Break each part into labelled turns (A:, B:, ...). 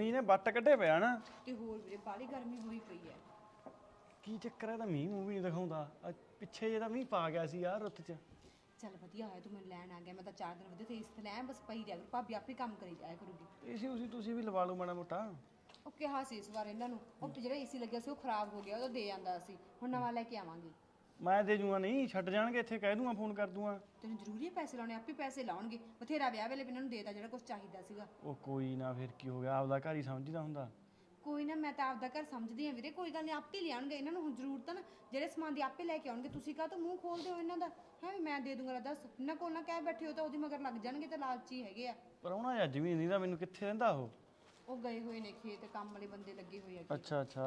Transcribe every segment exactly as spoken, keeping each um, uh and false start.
A: ਮੀਂਹ ਨੇ ਵੱਟ ਕੱਢੇ ਪਿਆ ਨਾ
B: ਤੇ ਹੋਰ ਵੀਰੇ ਬਾਲੀ ਗਰਮੀ ਹੋਈ ਪਈ ਐ।
A: ਕੀ ਚੱਕਰ ਹੈ ਤਾਂ ਮੀਂਹ ਮੂੰਹ ਵੀ ਨਹੀਂ ਦਿਖਾਉਂਦਾ ਆਹ ਪਿੱਛੇ ਜੇ ਤਾਂ ਮੀਂਹ ਪਾ ਗਿਆ ਸੀ ਯਾਰ ਰੁੱਤ 'ਚ।
B: ਚੱਲ ਵਧੀਆ ਹੋਇਆ ਤੂੰ ਮੈਨੂੰ ਲੈਣ ਆ ਗਿਆ। ਮੈਂ ਤਾਂ ਚਾਰ ਦਿਨ ਵਧੀਆ ਤੇ ਇਸ ਤੇ ਲੈ ਬਸ ਪਈ ਰਿਹਾ ਕਰੂ। ਭਾਬੀ ਆਪੇ ਕੰਮ ਕਰੀ ਜਾਇਆ ਕਰੂਗੀ।
A: ਏਸੀ ਉਸੀ ਤੁਸੀਂ ਵੀ ਲਵਾ ਲਓ ਮਾੜਾ ਮੋਟਾ।
B: ਉਹ ਕਿਹਾ ਸੀ ਇਸ ਵਾਰ ਇਹਨਾਂ ਨੂੰ ਉਹ ਜਿਹੜਾ ਏਸੀ ਲੱਗਿਆ ਸੀ ਉਹ ਖਰਾਬ ਹੋ ਗਿਆ ਉਹ ਦੇ ਜਾਂਦਾ ਸੀ। ਹੁਣ ਨਵਾਂ ਲੈ ਕੇ ਆਵਾਂਗੇ।
A: ਮੈਂ ਦੇ ਜੂਗਾ ਨਹੀਂ ਛੱਡ ਜਾਣਗੇ ਇੱਥੇ ਕਹਿ ਦੂੰਗਾ ਫੋਨ ਕਰ ਦੂੰਗਾ।
B: ਤੈਨੂੰ ਜ਼ਰੂਰੀ ਹੈ ਪੈਸੇ ਲਾਉਣੇ ਆਪੇ ਪੈਸੇ ਲਾਉਣਗੇ। ਬਥੇਰਾ ਵਿਆਹ ਵੇਲੇ ਵੀ ਇਹਨਾਂ ਨੂੰ ਦੇਤਾ ਜਿਹੜਾ ਕੁਝ ਚਾਹੀਦਾ ਸੀਗਾ।
A: ਉਹ ਕੋਈ ਨਾ ਫਿਰ ਕੀ ਹੋ ਗਿਆ ਆਪਦਾ ਘਰ ਹੀ ਸਮਝਦਾ ਹੁੰਦਾ।
B: ਕੋਈ ਨਾ ਮੈਂ ਤਾਂ ਆਪਦਾ ਘਰ ਸਮਝਦੀ ਹਾਂ ਵੀਰੇ। ਕੋਈ ਗੱਲ ਨਹੀਂ ਆਪੇ ਲਿਆਉਣਗੇ ਇਹਨਾਂ ਨੂੰ ਹੁਣ ਜ਼ਰੂਰਤ ਆ ਨਾ ਜਿਹੜੇ ਸਮਾਨ ਦੀ ਆਪੇ ਲੈ ਕੇ ਆਉਣਗੇ। ਤੁਸੀਂ ਕਾਹ ਤੋਂ ਮੂੰਹ ਖੋਲਦੇ ਹੋ ਇਹਨਾਂ ਦਾ ਹੈ ਵੀ ਮੈਂ ਦੇ ਦੂੰਗਾ। ਦੱਸ ਇਹਨਾਂ ਕੋਲ ਨਾ ਕਹਿ ਬੈਠੇ ਹੋ ਤਾਂ ਉਹਦੀ ਮਗਰ ਲੱਗ ਜਾਣਗੇ ਤੇ ਲਾਲਚੀ ਹੈਗੇ ਆ।
A: ਪਰ ਉਹਨਾਂ ਅੱਜ ਵੀ ਨਹੀਂ ਦਾ ਮੈਨੂੰ ਕਿੱਥੇ ਰਹਿੰਦਾ ਉਹ।
B: ਉਹ ਗਏ ਹੋਏ ਨੇ ਖੇਤ ਕੰਮ ਵਾਲੇ ਬੰਦੇ ਲੱਗੇ ਹੋਏ ਆ।
A: ਅੱਛਾ ਅੱਛਾ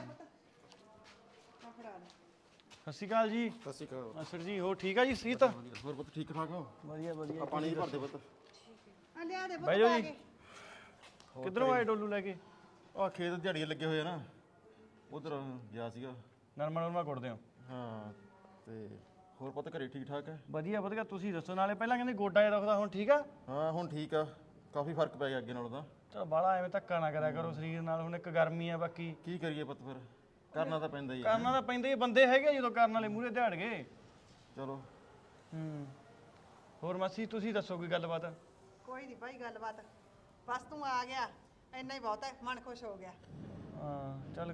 B: ਆ ਫੜਾ ਲੈ।
A: ਸਤਿ ਸ਼੍ਰੀ ਅਕਾਲ ਜੀ।
C: ਸਤਿ ਸ਼੍ਰੀ ਅਕਾਲ।
A: ਅਸਰ ਜੀ ਹੋਰ ਠੀਕ ਆ ਜੀ ਸੀਤ?
C: ਹੋਰ ਪੁੱਤ ਠੀਕ ਠਾਕ ਹੋ?
A: ਵਧੀਆ ਵਧੀਆ।
C: ਆ ਪਾਣੀ ਭਰ ਦੇ ਪੁੱਤ।
B: ਆ ਲਿਆ ਦੇ
A: ਬਹਿ ਜਾਓ ਜੀ। ਕਿੱਧਰੋਂ ਆਏ ਡੋਲੂ ਲੈ ਕੇ?
C: ਆ ਖੇਤ ਦਿਹਾੜੀਆਂ ਲੱਗੇ ਹੋਏ ਆ ਨਾ ਉਧਰ ਗਿਆ ਸੀਗਾ।
A: ਨਰਮਾ ਨਰਮਾ ਕੁੱਟਦੇ ਹੋ?
C: ਹਾਂ ਤੇ ਹੋਰ ਪੁੱਤ ਘਰੇ ਠੀਕ ਠਾਕ ਹੈ?
A: ਵਧੀਆ ਵਧੀਆ ਤੁਸੀਂ ਦੱਸੋ। ਨਾਲੇ ਪਹਿਲਾਂ ਕਹਿੰਦੇ ਗੋਡਾ ਜਿਹਾ ਦੁਖਦਾ ਹੁਣ ਠੀਕ ਆ?
C: ਹਾਂ ਹੁਣ ਠੀਕ ਆ ਕਾਫੀ ਫਰਕ ਪੈ ਗਿਆ ਅੱਗੇ ਨਾਲੋਂ ਤਾਂ।
A: ਚਲ ਬਾਹਲਾ ਐਵੇਂ ਧੱਕਾ ਨਾ ਕਰਿਆ ਕਰੋ ਸਰੀਰ ਨਾਲ। ਹੁਣ ਇੱਕ ਗਰਮੀ ਆ ਬਾਕੀ
C: ਕੀ ਕਰੀਏ ਪੁੱਤ ਫਿਰ ਕਰਨਾ ਤਾਂ ਪੈਂਦਾ ਹੀ ਆ।
A: ਕਰਨਾ ਤਾਂ ਪੈਂਦਾ ਹੀ। ਬੰਦੇ ਹੈਗੇ ਜਦੋਂ ਕਰਨ ਵਾਲੇ ਮੂਹਰੇ ਦਿਹਾੜ ਗਏ।
C: ਚਲੋ
A: ਹੂੰ ਹੋਰ ਮਾਸੀ ਤੁਸੀਂ ਦੱਸੋ ਕੋਈ ਗੱਲਬਾਤ?
D: ਕੋਈ ਨਹੀਂ ਭਾਈ ਗੱਲਬਾਤ ਬਸ ਤੂੰ ਆ ਗਿਆ ਇੰਨਾ ਹੀ ਬਹੁਤ ਹੈ। ਮਨ ਖੁਸ਼ ਹੋ ਗਿਆ।
A: ਹਾਂ ਚੱਲ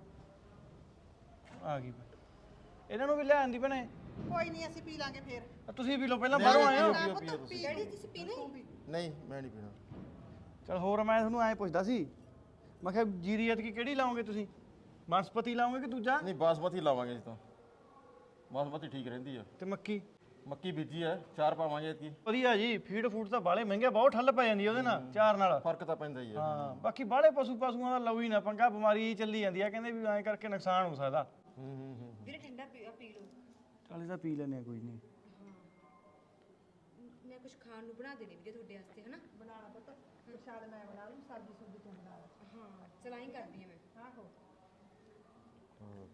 A: ਆ ਗਈ ਭੈਣ। ਇਹਨਾਂ ਨੂੰ ਵੀ ਲੈ ਆਂਦੀ ਭੈਣੇ।
D: ਕੋਈ ਨਹੀਂ ਅਸੀਂ ਪੀ ਲਾਂਗੇ ਫੇਰ।
A: ਆ ਤੁਸੀਂ ਵੀ ਲੋ ਪਹਿਲਾਂ ਬਾਹਰੋਂ ਆਏ ਹੋ।
C: ਪੀਓ ਪੀਓ ਤੁਸੀਂ।
B: ਡੈਡੀ ਤੁਸੀਂ ਪੀਣਾ ਹੀ?
C: ਨਹੀਂ ਮੈਂ ਨਹੀਂ ਪੀਣਾ।
A: ਚਲ ਹੋਰ ਮੈਂ ਤੁਹਾਨੂੰ ਐਂ ਪੁੱਛਦਾ ਸੀ ਮੈਂ ਕਿਹਾ ਜੀਰੀ ਐਤਕੀ ਕਿਹੜੀ ਲਾਓਗੇ ਤੁਸੀਂ? ਬਨਸਪਤੀ ਲਾਓਗੇ ਕਿ ਦੂਜਾ?
C: ਨਹੀਂ ਬਾਸਮਤੀ ਲਾਵਾਂਗੇ ਜੀ ਤਾਂ। ਬਾਸਮਤੀ ਠੀਕ ਰਹਿੰਦੀ ਆ।
A: ਤੇ ਮੱਕੀ?
C: ਮੱਕੀ ਬੀਜੀ ਆ ਚਾਰ ਪਾਵਾਂਗੇ ਇਤਕੀ।
A: ਵਧੀਆ ਜੀ। ਫੀਡ ਫੂਡ ਤਾਂ ਬਾਲੇ ਮਹਿੰਗੇ ਬਹੁਤ ਠੱਲ ਪੈ ਜਾਂਦੀ ਉਹਦੇ ਨਾਲ ਚਾਰ ਨਾਲ।
C: ਫਰਕ ਤਾਂ ਪੈਂਦਾ ਹੀ ਆ।
A: ਹਾਂ ਬਾਕੀ ਬਾਲੇ ਪਸ਼ੂ ਪਸ਼ੂਆਂ ਦਾ ਲਓ ਹੀ ਨਾ ਪੰਗਾ। ਬਿਮਾਰੀ ਚੱਲੀ ਜਾਂਦੀ ਆ ਕਹਿੰਦੇ ਵੀ ਐਂ ਕਰਕੇ ਨੁਕਸਾਨ ਹੋ ਸਕਦਾ।
C: ਹੂੰ ਹੂੰ ਹੂੰ
B: ਵੀਰੇ ਠੰਡਾ ਪੀ ਪੀ ਲਓ।
A: ਚੱਲ ਇਹਦਾ ਪੀ ਲੈਨੇ ਆ ਕੋਈ ਨਹੀਂ।
B: ਮੈਂ ਕੁਝ ਖਾਣ ਨੂੰ ਬਣਾ ਦੇਣੀ ਵੀਰੇ ਤੁਹਾਡੇ ਵਾਸਤੇ ਹਨਾ।
D: ਬਣਾ ਲਾ ਪੁੱਤ ਪ੍ਰਸ਼ਾਦ ਮੈਂ ਬਣਾ ਲੂੰ ਸਬਜ਼ੀ ਸੁਬਜ਼ੀ ਤੂੰ ਬਣਾ ਲਾ।
B: ਹਾਂ ਚਲਾਈ ਕਰਦੀ ਆ ਮੈਂ।
D: ਆਹੋ
C: ਹਾਂ।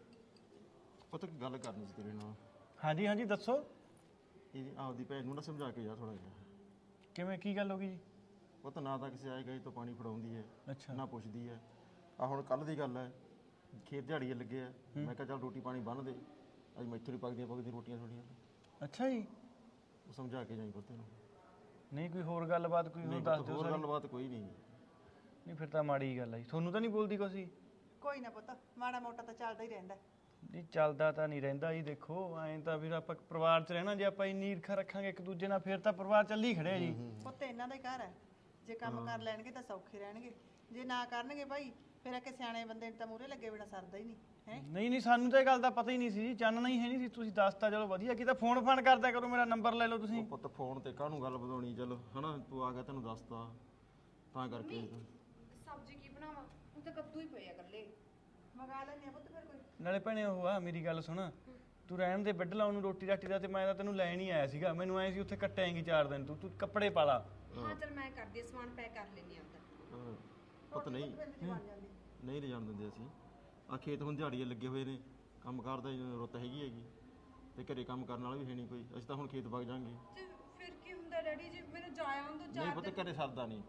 C: ਪੁੱਤ ਇੱਕ ਗੱਲ ਕਰਨੀ ਸੀ ਤੇਰੇ ਨਾਲ।
A: ਹਾਂਜੀ ਹਾਂਜੀ ਦੱਸੋ।
C: ਇਹ ਆਪਦੀ ਭੈਣ ਨੂੰ ਨਾ ਸਮਝਾ ਕੇ ਜਾ ਥੋੜਾ ਜਿਹਾ।
A: ਕਿਵੇਂ ਕੀ ਗੱਲ ਹੋ ਗਈ ਜੀ?
C: ਪੁੱਤ ਨਾ ਤਾਂ ਕਿਸੇ ਆਏ ਗਏ ਤੋਂ ਪਾਣੀ ਫੜਾਉਂਦੀ ਹੈ
A: ਅੱਛਾ
C: ਨਾ ਪੁੱਛਦੀ ਹੈ। ਆ ਹੁਣ ਕੱਲ ਦੀ ਗੱਲ ਹੈ ਖੇਤ ਦਿਹਾੜੀਏ ਲੱਗੇ ਆ। ਮੈਂ ਕਿਹਾ ਚੱਲ ਰੋਟੀ ਪਾਣੀ ਬੰਨ ਦੇ ਅੱਜ ਮੈਥੋਂ ਨਹੀਂ ਪੱਕਦੀਆਂ ਪੱਕਦੀਆਂ ਰੋਟੀਆਂ ਥੋੜੀਆਂ।
A: ਅੱਛਾ ਜੀ।
C: ਉਹ ਸਮਝਾ ਕੇ ਜਾਈ ਪੁੱਤ ਨੂੰ।
A: ਨਹੀਂ ਕੋਈ ਹੋਰ ਗੱਲਬਾਤ ਕੋਈ ਹੋਰ
C: ਨਹੀਂ
A: ਦੱਸ
C: ਪੁੱਤ,
A: ਦਿਓ
C: ਹੋਰ
A: ਸਾਰੀ।
C: ਗੱਲਬਾਤ ਕੋਈ ਨਹੀਂ।
A: ਨਹੀਂ ਫਿਰ ਤਾਂ ਮਾੜੀ ਗੱਲ ਆ ਜੀ। ਤੁਹਾਨੂੰ ਤਾਂ ਨਹੀਂ ਬੋਲਦੀ ਕੁਛ?
D: ਕੋਈ ਨਾ ਪੁੱਤ ਮਾੜਾ ਮੋਟਾ ਤਾਂ ਚੱਲਦਾ ਹੀ ਰਹਿੰਦਾ।
A: ਨਹੀਂ ਚੱਲਦਾ ਤਾਂ ਨਹੀਂ ਰਹਿੰਦਾ ਜੀ। ਦੇਖੋ ਐਂ ਤਾਂ ਫਿਰ ਆਪਾਂ ਪਰਿਵਾਰ 'ਚ ਰਹਿਣਾ ਜੇ ਆਪਾਂ ਇੰਨੀ ਈਰਖਾ ਰੱਖਾਂਗੇ ਇੱਕ ਦੂਜੇ ਨਾਲ ਫਿਰ ਤਾਂ ਪਰਿਵਾਰ ਚੱਲੀ ਖੜਿਆ ਜੀ।
D: ਪੁੱਤ ਇਹਨਾਂ ਦਾ ਹੀ ਘਰ ਹੈ। ਜੇ ਕੰਮ ਕਰ ਲੈਣਗੇ ਤਾਂ ਸੌਖੇ ਰਹਿਣਗੇ। ਜੇ ਨਾ ਕਰਨਗੇ ਭਾਈ ਫਿਰ ਇੱਕ ਸਿਆਣੇ ਬੰਦੇ ਨੂੰ ਤਾਂ ਮੂਹਰੇ ਲੱਗੇ ਬਿਨਾ ਸਰਦਾ ਹੀ ਨਹੀਂ ਹੈ।
A: ਨਹੀਂ ਨਹੀਂ ਸਾਨੂੰ ਤਾਂ ਇਹ ਗੱਲ ਦਾ ਪਤਾ ਹੀ ਨਹੀਂ ਸੀ ਜੀ। ਚਾਨਣਾ ਹੀ ਹੈ ਨਹੀਂ ਸੀ। ਤੁਸੀਂ ਦੱਸਤਾ ਚਲੋ ਵਧੀਆ ਕੀਤਾ। ਫੋਨ ਫਾਨ ਕਰਦਿਆ ਕਰੋ। ਮੇਰਾ ਨੰਬਰ ਲੈ ਲਓ ਤੁਸੀਂ।
C: ਉਹ ਪੁੱਤ ਫੋਨ ਤੇ ਕਾਹਨੂੰ ਗੱਲ ਵਧਾਉਣੀ। ਚਲ ਹਨਾ ਤੂੰ ਆ ਗਿਆ ਤੈਨੂੰ ਦੱਸਤਾ ਤਾਂ ਕਰਕੇ।
B: ਸਬਜ਼ੀ ਕੀ ਬਣਾਵਾਂ? ਹੁਣ ਤਾਂ ਕੱਦੂ ਹੀ ਪਏ ਆ ਇਕੱਲੇ।
D: ਮੰਗਾ ਲੈਣੇ ਆ ਪੁੱਤ ਫਿਰ ਕੋਈ।
A: ਨਾਲੇ ਭੈਣੇ ਉਹ ਆ ਮੇਰੀ ਗੱਲ ਸੁਣ। ਤੂੰ ਰਹਿਣ ਦੇ ਬੈੱਡ ਲਾਉਣ ਨੂੰ ਰੋਟੀ ਰਾਟੀ ਦਾ। ਤੇ ਮੈਂ ਤਾਂ ਤੈਨੂੰ ਲੈਣ ਹੀ ਆਇਆ ਸੀਗਾ। ਮੈਨੂੰ ਐ ਸੀ ਉੱਥੇ ਕੱਟੇਂਗੀ ਚਾਰ ਦਿਨ ਤੂੰ। ਤੂੰ ਕੱਪੜੇ ਪਾ ਲਾ।
B: ਹਾਂ ਚਲ ਮੈਂ ਕਰਦੀ ਆ ਸਮਾਨ ਪੈਕ ਕਰ ਲੈਣੀ ਆਪਦਾ।
C: ਹਾਂ, ਪੁੱਤ ਨਹੀਂ ਨਹੀਂ ਲਿਜਾਣ ਦਿੰਦੇ ਅਸੀਂ। ਆ ਖੇਤ ਹੁਣ ਦਿਹਾੜੀਏ ਲੱਗੇ ਹੋਏ ਨੇ ਕੰਮ ਕਾਰ ਦਾ ਰੁੱਤ ਹੈਗੀ ਹੈਗੀ ਤੇ ਘਰੇ ਕੰਮ ਕਰਨ ਵਾਲਾ ਵੀ ਹੈ ਨਹੀਂ ਕੋਈ। ਅਸੀਂ ਤਾਂ ਹੁਣ ਖੇਤ ਵਗ ਜਾਾਂਗੇ।
B: ਤੇ ਫਿਰ ਕੀ ਹੁੰਦਾ ਡੈਡੀ ਜੀ ਮੈਨੂੰ ਜਾਇਆ ਆਉਣ ਦੋ
C: ਨਹੀਂ
B: ਚਾਰ
C: ਪੁੱਤ
B: ਦਿਨ।
C: ਘਰੇ ਸਰਦਾ ਨਹੀਂ।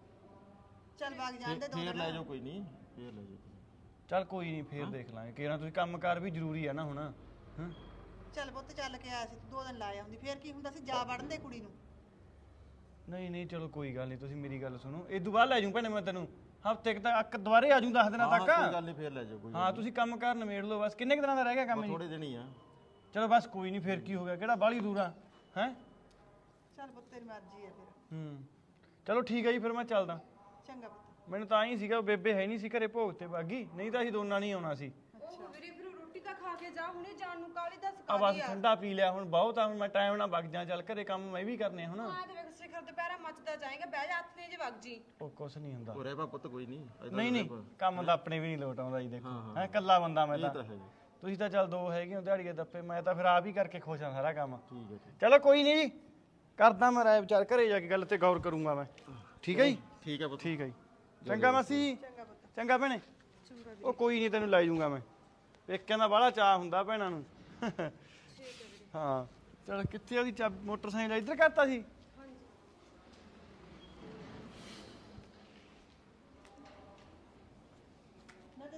D: ਚੱਲ ਵਗ ਜਾਂਦੇ ਦੋ
C: ਫੇਰ
D: ਦਿਨ।
C: ਲੈ ਜਾਓ ਕੋਈ ਨਹੀਂ ਫੇਰ ਲੈ ਜਾਓ।
A: ਚੱਲ ਕੋਈ ਨਹੀਂ ਫੇਰ ਦੇਖ ਲਾਂਗੇ। ਕਿਹੜਾ ਤੁਸੀਂ ਕੰਮਕਾਰ ਵੀ ਜ਼ਰੂਰੀ ਆ ਨਾ ਹੁਣ। ਹਾਂ
D: ਚੱਲ ਪੁੱਤ ਚੱਲ ਕੇ ਆਇਆ ਸੀ ਤੂੰ ਦੋ ਦਿਨ ਲਾ ਆਉਂਦੀ ਫੇਰ ਕੀ ਹੁੰਦਾ ਸੀ ਜਾ ਵੜਨ ਦੇ ਕੁੜੀ ਨੂੰ।
A: ਨਹੀਂ ਨਹੀਂ ਚਲੋ ਕੋਈ ਗੱਲ ਨਹੀਂ। ਤੁਸੀਂ ਮੇਰੀ ਗੱਲ ਸੁਣੋ। ਇਹ ਤੋਂ ਬਾਅਦ ਲੈ ਜਾਊਂ ਭੈਣੇ ਮੈਂ ਤੈਨੂੰ ਹਫ਼ਤੇ ਤੱਕ ਅੱਕ ਦੁਬਾਰੇ ਆ ਜਾਊਂ ਦਸ ਦਿਨਾਂ
C: ਹਾਂ
A: ਤੱਕ।
C: ਕੋਈ ਗੱਲ ਨਹੀਂ ਫੇਰ ਲੈ ਜਾਓ ਕੋਈ।
A: ਹਾਂ ਤੁਸੀਂ ਕੰਮ ਕਾਰ ਨਿਬੇੜ ਲਓ ਬਸ। ਕਿੰਨੇ ਕੁ ਦਿਨਾਂ ਦਾ ਰਹਿ ਗਿਆ ਕੰਮ ਜੀ?
C: ਥੋੜੇ ਦਿਨ ਹੀ ਆ।
A: ਚਲੋ ਬਸ ਕੋਈ ਨਹੀਂ। ਫੇਰ ਕੀ ਹੋ ਗਿਆ ਕਿਹੜਾ ਬਾਹਲੀ ਦੂਰ ਆ ਹੈ।
D: ਚੱਲ ਪੁੱਤ ਤੇਰੀ ਮਰਜ਼ੀ ਹੈ ਫਿਰ।
A: ਹੂੰ ਚਲੋ ਠੀਕ ਹੈ ਜੀ ਫਿਰ ਮੈਂ ਚੱਲਦਾ।
D: ਚੰਗਾ ਪੁੱਤ।
A: ਮੈਨੂੰ ਤਾਂ ਹੀ ਸੀਗਾ ਬੇਬੇ ਹੈ ਨਹੀਂ ਸੀ ਘਰੇ ਭੋਗ ਤੇ ਬਾਗੀ। ਨਹੀਂ ਤਾਂ ਅਸੀਂ ਦੋਨਾਂ ਨਹੀਂ ਆਉਣਾ ਸੀ।
B: ਉਹ ਵੀਰੇ ਫਿਰ ਰੋਟੀ ਤਾਂ ਖਾ ਕੇ ਜਾ ਹੁਣੇ ਜਾਣ ਨੂੰ ਕਾਲੀ ਦੱਸ
A: ਆ ਬਸ
B: ਕਾਲੀ ਆ।
A: ਠੰਡਾ ਪੀ ਲਿਆ ਹੁਣ ਬਹੁਤ ਆ। ਹੁਣ ਮੈਂ ਟਾਈਮ ਨਾਲ ਵਗ ਜਾ। ਚੱਲ ਘਰੇ ਕੰਮ ਮੈਂ ਵੀ ਕਰਨੇ ਹੁਣ।
B: ਹਾਂ ਤੇ ਵੇਖ ਸਿਖਰ ਦੁਪਹਿਰਾ ਮੱਚਦਾ ਜਾਏਗਾ। ਬਹਿ ਜਾ ਹੱਥ ਨੇ ਜੇ ਵਗ ਜੀ।
A: ਉਹ ਕੁਛ ਨਹੀਂ ਹੁੰਦਾ।
C: ਉਹ ਰਹਿ ਪਾ ਪੁੱਤ ਕੋਈ ਨਹੀਂ।
A: ਨਹੀਂ ਨਹੀਂ ਕੰਮ ਤਾਂ ਆਪਣੇ ਵੀ ਨਹੀਂ ਲੋਟ ਆਉਂਦਾ ਜੀ। ਦੇਖੋ
C: ਹਾਂ,
A: ਹੈ ਇਕੱਲਾ ਬੰਦਾ ਮੈਂ
C: ਇਹ
A: ਤਾਂ।
C: ਤਾਂ ਹੈ ਜੀ।
A: ਤੁਸੀਂ ਤਾਂ ਚੱਲ ਦੋ ਹੈਗੇ ਹੋ ਦਿਹਾੜੀਏ ਦੱਪੇ। ਮੈਂ ਤਾਂ ਫਿਰ ਆਪ ਹੀ ਕਰਕੇ ਖੁਸ਼ ਹਾਂ ਸਾਰਾ ਕੰਮ।
C: ਠੀਕ ਹੈ ਜੀ।
A: ਚਲੋ ਕੋਈ ਨਹੀਂ ਜੀ ਕਰਦਾ ਮੈਂ ਰਾਏ ਵਿਚਾਰ। ਘਰੇ ਜਾ ਕੇ ਗੱਲ ਤੇ ਗੌਰ ਕਰੂੰਗਾ ਮੈਂ। ਠੀਕ ਹੈ ਜੀ।
C: ਠੀਕ ਹੈ ਪੁੱਤ।
A: ਠੀਕ ਹੈ ਜੀ। ਚੰਗਾ ਮਾਸੀ।
D: ਚੰਗਾ ਪੁੱਤ।
A: ਚੰਗਾ ਭੈਣੇ। ਉਹ ਕੋਈ ਨਹੀਂ ਤੈਨੂੰ ਲੈ ਜਾਊਂਗਾ ਮੈਂ। ਪੇਕਿਆਂ ਦਾ ਬਾਹਲਾ ਚਾਅ ਹੁੰਦਾ ਭੈਣਾਂ ਨੂੰ। ਹਾਂ ਚਲ ਕਿੱਥੇ ਉਹਦੀ ਚਾ ਮੋਟਰਸਾਈਕਲ ਇੱਧਰ ਕਰਤਾ ਸੀ।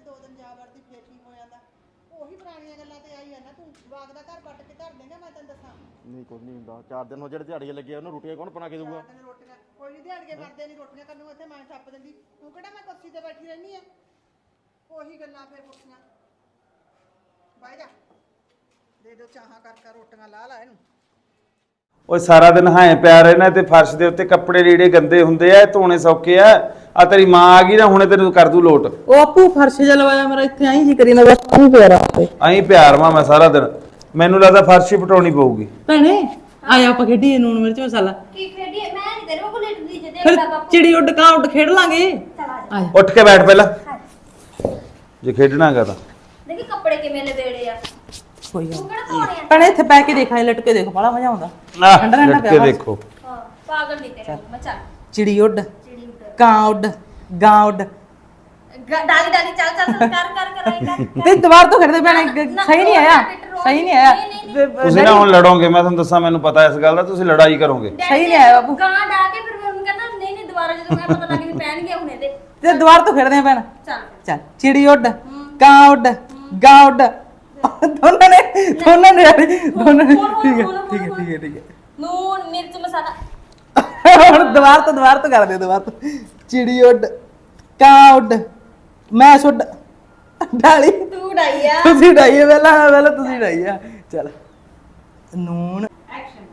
D: ਦੋ ਦਿਨ ਜਾ ਵੜਦੀ ਫੇਰ ਕੀ ਹੋ ਜਾਂਦਾ ਉਹੀ ਪੁਰਾਣੀਆਂ ਗੱਲਾਂ ਤੇ ਆਈ ਜਾਂਦਾ ਤੂੰ ਜਵਾਕ ਦਾ ਘਰ ਵੱਟ ਕੇ ਧਰ ਦੇਂਗਾ ਮੈਂ ਤੈਨੂੰ ਦੱਸਾਂ
C: ਨਹੀਂ ਕੁਝ ਨਹੀਂ ਹੁੰਦਾ ਚਾਰ ਦਿਨ ਹੋ ਜਿਹੜੇ ਦਿਹਾੜੀਏ ਲੱਗੇ ਉਹਨੂੰ ਰੋਟੀਆਂ ਕੌਣ ਬਣਾ ਕੇ ਦੇਊਗਾ
D: ਤੈਨੂੰ ਰੋਟੀਆਂ ਕੋਈ ਨਹੀਂ ਦਿਹਾੜੀਏ ਵਰਦੇ ਨਹੀਂ ਰੋਟੀਆਂ ਕਰਨ ਨੂੰ ਇੱਥੇ ਮੈਂ ਛੱਪ ਦਿੰਦੀ ਤੂੰ ਕਿਹੜਾ ਮੈਂ ਕੁਰਸੀ ਤੇ ਬੈਠੀ ਰਹਿਣੀ ਆ ਉਹੀ ਗੱਲਾਂ ਫੇਰ ਪੁੱਛੀਆਂ ਬਾਈ ਜਾ ਦੇ ਦੋ ਚਾਹਾਂ ਕਰ ਕਰ ਰੋਟੀਆਂ ਲਾ ਲਾ ਇਹਨੂੰ
A: ਓਏ ਸਾਰਾ ਦਿਨ ਹਾਏ ਪਿਆ ਰਹਿਣਾ ਤੇ ਫਰਸ਼ ਦੇ ਉੱਤੇ ਕੱਪੜੇ ਲੀੜੇ ਗੰਦੇ ਹੁੰਦੇ ਆ ਧੋਣੇ ਸੌਖੇ ਆ ਆ ਤੇਰੀ ਮਾਂ ਆ ਗਈ ਨਾ ਹੁਣੇ ਤੈਨੂੰ ਕਰ ਦੂ ਲੋਟ
E: ਉਹ ਆਪੂ ਫਰਸ਼ ਜਿਹਾ ਲਵਾਇਆ ਮੇਰਾ ਇੱਥੇ ਆਈ ਜੀ ਕਰੀ ਨਾ ਬਸ ਤੂੰ ਪਿਆਰਾ ਤੇ
A: ਐਂ ਪਿਆਰ ਵਾਂ ਮੈਂ ਸਾਰਾ ਦਿਨ ਮੈਨੂੰ ਲੱਗਦਾ ਫਰਸ਼ ਹੀ ਪਟਾਉਣੀ ਪਊਗੀ
E: ਭੈਣੇ ਆਇਆ ਆਪਾਂ ਖੇਡੀਏ ਨੂਣ ਮਿਰਚ ਮਸਾਲਾ
F: ਕੀ ਖੇਡੀਏ ਮੈਂ ਨਹੀਂ ਤੇਰੇ ਕੋਲ ਲੇਟਦੀ ਜੇ
E: ਫਿਰ
F: ਦੇਖਦਾ ਬਾਪੂ
E: ਚਿੜੀ ਉੱਡ ਕਾਂ ਉੱਡ ਖੇਡ ਲਾਂਗੇ ਆਇਆ
A: ਉੱਠ ਕੇ ਬੈਠ ਪਹਿਲਾਂ ਜੇ ਖੇਡਣਾਗਾ ਤਾਂ
F: ਦੇਖੀ ਕੱਪੜੇ ਕਿਵੇਂ ਲਵੇੜੇ ਆ
E: ਕੋਈ ਗੱਲ
F: ਤੂੰ ਕਿਹੜਾ ਧੋਣੇ ਆ
E: ਭੈਣੇ ਇੱਥੇ ਪੈ ਕੇ ਦੇਖਾਂ ਲਟਕੇ ਦੇਖੋ ਬੜਾ ਮਜ਼ਾ ਆਉਂਦਾ
A: ਆਹ,
E: ਠੰਡਾ ਠੰਡਾ
A: ਲਟ ਕੇ
E: ਪਿਆ ਵਾ।
A: ਦੇਖੋ
F: ਹਾਂ ਪਾਗਲ ਨਹੀਂ ਤੇਰੇ ਮੈਂ ਚੱਲ
E: ਚਿੜੀ ਉੱਡ
F: ਚਿੜੀ ਉੱਡ
E: ਕਾਂ ਉੱਡ ਗਾਂ ਉੱਡ
F: ਗ- ਡਾਲੀ ਡਾਲੀ ਚੱਲ ਚੱਲ ਚੱਲ, ਕਰ ਕਰ ਕਰ ਆਈ ਕਰ
E: ਤੇ ਦੁਬਾਰ ਤੋਂ ਖੇਡਦੇ ਭੈਣੇ ਗ-
F: ਨਾ,
E: ਸਹੀ ਨਹੀਂ
F: ਰੋਜ਼
E: ਆਇਆ
F: ਨਾ, ਰੋਜ਼
E: ਸਹੀ ਨਹੀਂ ਆਇਆ
F: ਨਹੀਂ, ਨਹੀਂ,
E: ਤੇ-
A: ਤੁਸੀਂ ਨਾ ਹੁਣ ਲੜੋਗੇ ਮੈਂ ਤੁਹਾਨੂੰ ਦੱਸਾਂ ਮੈਨੂੰ ਪਤਾ ਇਸ ਗੱਲ ਦਾ ਤੁਸੀਂ ਲੜਾਈ ਕਰੋਗੇ
E: ਸਹੀ ਨਹੀਂ ਆਇਆ ਬਾਪੂ।
F: ਗਾਂ ਡਾ ਕੇ ਫਿਰ ਮੰਮੀ ਕਹਿੰਦਾ ਨਹੀਂ ਨਹੀਂ ਦੁਬਾਰਾ ਜਦੋਂ ਮੈਂ ਪਤਾ ਲੱਗ ਗਈ ਪੈਣਗੇ ਹੁਣ ਇਹਦੇ
E: ਤੇ ਦੁਬਾਰ ਤੋਂ ਖੇਡਦੇ ਆ ਭੈਣ
F: ਚੱਲ
E: ਚੱਲ ਚਿੜੀ ਉੱਡ ਕਾਂ ਉੱਡ ਗਾਂ ਉੱਡ ਦੋਨਾਂ ਨੇ ਦੋਨਾਂ ਨੇ ਦੋਨਾਂ ਨੇ
F: ਹੁਣ, ਹੁਣ,
E: ਠੀਕ ਹੈ
F: ਹੁਣ,
E: ਠੀਕ ਹੈ
F: ਹੁਣ,
E: ਠੀਕ ਹੈ ਠੀਕ ਹੈ
F: ਨੂਣ ਮਿਰਚ ਮਸਾਲਾ
E: ਹੁਣ ਦੁਬਾਰ ਤੋਂ ਦੁਬਾਰ ਤੋਂ ਕਰ ਦਿਓ ਦੁਬਾਰ ਤੋਂ ਚਿੜੀ ਉੱਡ ਕਾਂ ਉੱਡ ਮੈਂ ਉੱਡ ਡਾਲੀ
F: ਤੂੰ ਡਾਈ ਆ
E: ਤੁਸੀਂ ਡਾਈਏ ਪਹਿਲਾਂ ਪਹਿਲਾਂ ਤੁਸੀਂ ਡਾਈਏ ਚੱਲ ਨੂਣ
F: ਐਕਸ਼ਨ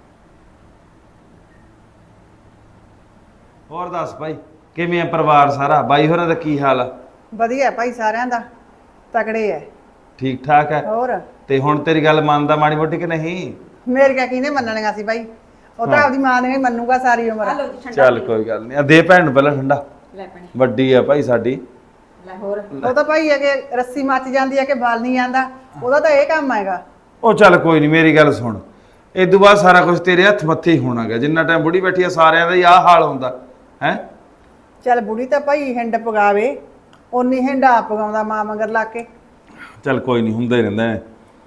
A: ਹੋਰ ਦੱਸ ਭਾਈ ਕਿਵੇਂ ਆ ਪਰਿਵਾਰ ਸਾਰਾ ਬਾਈ ਹੋਰਾਂ ਦਾ ਕੀ ਹਾਲ ਆ
D: ਵਧੀਆ ਭਾਈ ਸਾਰਿਆਂ ਦਾ ਤਕੜੇ ਐ
A: ਠੀਕ ਠਾਕ ਹੈ
D: ਹੋਰ
A: ਤੇ ਹੁਣ ਤੇਰੀ ਗੱਲ ਮੰਨਦਾ ਮਾੜੀ ਮੋਟੀ ਕਿ ਨਹੀਂ
D: ਮੇਰੀਆਂ ਕਿਹਨੇ ਮੰਨਣੀਆਂ ਸੀ ਭਾਈ ਉਹ ਤਾਂ ਆਪਦੀ ਮਾਂ ਨੇ ਹੀ ਮੰਨੂਗਾ ਸਾਰੀ ਉਮਰ
A: ਚੱਲ ਕੋਈ ਗੱਲ ਨਹੀਂ ਆ ਦੇ ਭੈਣ ਨੂੰ ਪਹਿਲਾਂ ਠੰਡਾ
F: ਲੈ ਪਣੀ
A: ਵੱਡੀ ਆ ਭਾਈ ਸਾਡੀ
F: ਲੈ ਹੋਰ
D: ਉਹ ਤਾਂ ਭਾਈ ਹੈ ਕਿ ਰੱਸੀ ਮੱਚ ਜਾਂਦੀ ਹੈ ਕਿ ਬਲ ਨਹੀਂ ਆਂਦਾ ਉਹਦਾ ਤਾਂ ਇਹ ਕੰਮ ਹੈਗਾ
A: ਉਹ ਚੱਲ ਕੋਈ ਨਹੀਂ ਮੇਰੀ ਗੱਲ ਸੁਣ ਇਹ ਤੋਂ ਬਾਅਦ ਸਾਰਾ ਕੁਝ ਤੇਰੇ ਹੱਥ ਮੱਥੇ ਹੀ ਹੋਣਾਗਾ ਜਿੰਨਾ ਟਾਈਮ ਬੁੜੀ ਬੈਠੀ ਆ ਸਾਰਿਆਂ ਦਾ ਹੀ ਆਹ ਹਾਲ ਹੁੰਦਾ ਹੈ
D: ਚੱਲ ਬੁੜੀ ਤਾਂ ਭਾਈ ਹਿੰਡ ਪਗਾਵੇ ਓਨੀ ਹਿੰਡ ਆਪ ਪਗਾਉਂਦਾ ਮਾਂ ਮਗਰ ਲਾ ਕੇ
A: ਚੱਲ ਕੋਈ ਨਹੀਂ ਹੁੰਦਾ ਹੀ ਰਹਿੰਦਾ ਹੈ।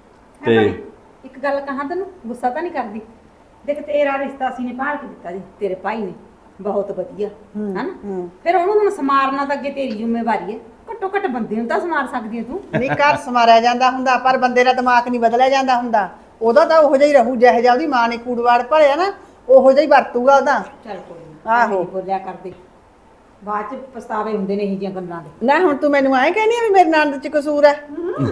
A: ਤੇ
G: ਇੱਕ ਗੱਲ ਕਹਾਂ ਤੈਨੂੰ ਗੁੱਸਾ ਤਾਂ ਨਹੀਂ ਕਰਦੀ ਦੇਖ ਤੇਰਾ ਰਿਸ਼ਤਾ ਅਸੀਂ ਨੇ ਭਾਲ ਕੇ ਦਿੱਤਾ ਜੀ ਤੇਰੇ ਭਾਈ ਨੇ ਬਹੁਤ ਵਧੀਆ ਹਨਾ ਫਿਰ ਉਹਨੂੰ ਹੁਣ ਸਮਾਰਨਾ ਤਾਂ ਅੱਗੇ ਤੇਰੀ ਜ਼ਿੰਮੇਵਾਰੀ ਹੈ ਘੱਟੋ ਘੱਟ ਬੰਦੇ ਨੂੰ ਤਾਂ ਸਮਾਰ ਸਕਦੀ ਹੈ ਤੂੰ
D: ਨਹੀਂ ਘਰ ਸਮਾਰਿਆ ਜਾਂਦਾ ਹੁੰਦਾ ਪਰ ਬੰਦੇ ਦਾ ਦਿਮਾਗ ਨਹੀਂ ਬਦਲਿਆ ਜਾਂਦਾ ਹੁੰਦਾ ਉਹਦਾ ਤਾਂ ਉਹੋ ਜਿਹਾ ਹੀ ਰਹੂ ਜਿਹੋ ਜਿਹਾ ਉਹਦੀ ਮਾਂ ਨੇ ਕੂੜਵਾੜ ਭਲਿਆ ਨਾ ਉਹੋ ਜਿਹਾ ਹੀ ਵਰਤੂਗਾ ਉਹਦਾ
G: ਚੱਲ ਕੋਈ ਨਾ
D: ਆਹੋ।
G: ਬੋਲਿਆ ਕਰਦੇ ਬਾਅਦ ਚ ਪਛਤਾਵੇ ਹੁੰਦੇ ਨੇ ਇਹ ਜੀਆਂ ਗੱਲਾਂ ਦੇ
D: ਨਾ ਹੁਣ ਤੂੰ ਮੈਨੂੰ ਐਂ ਕਹਿੰਦੀ ਆ ਵੀ ਮੇਰੇ ਨੰਦ ਚ ਕਸੂਰ ਹੈ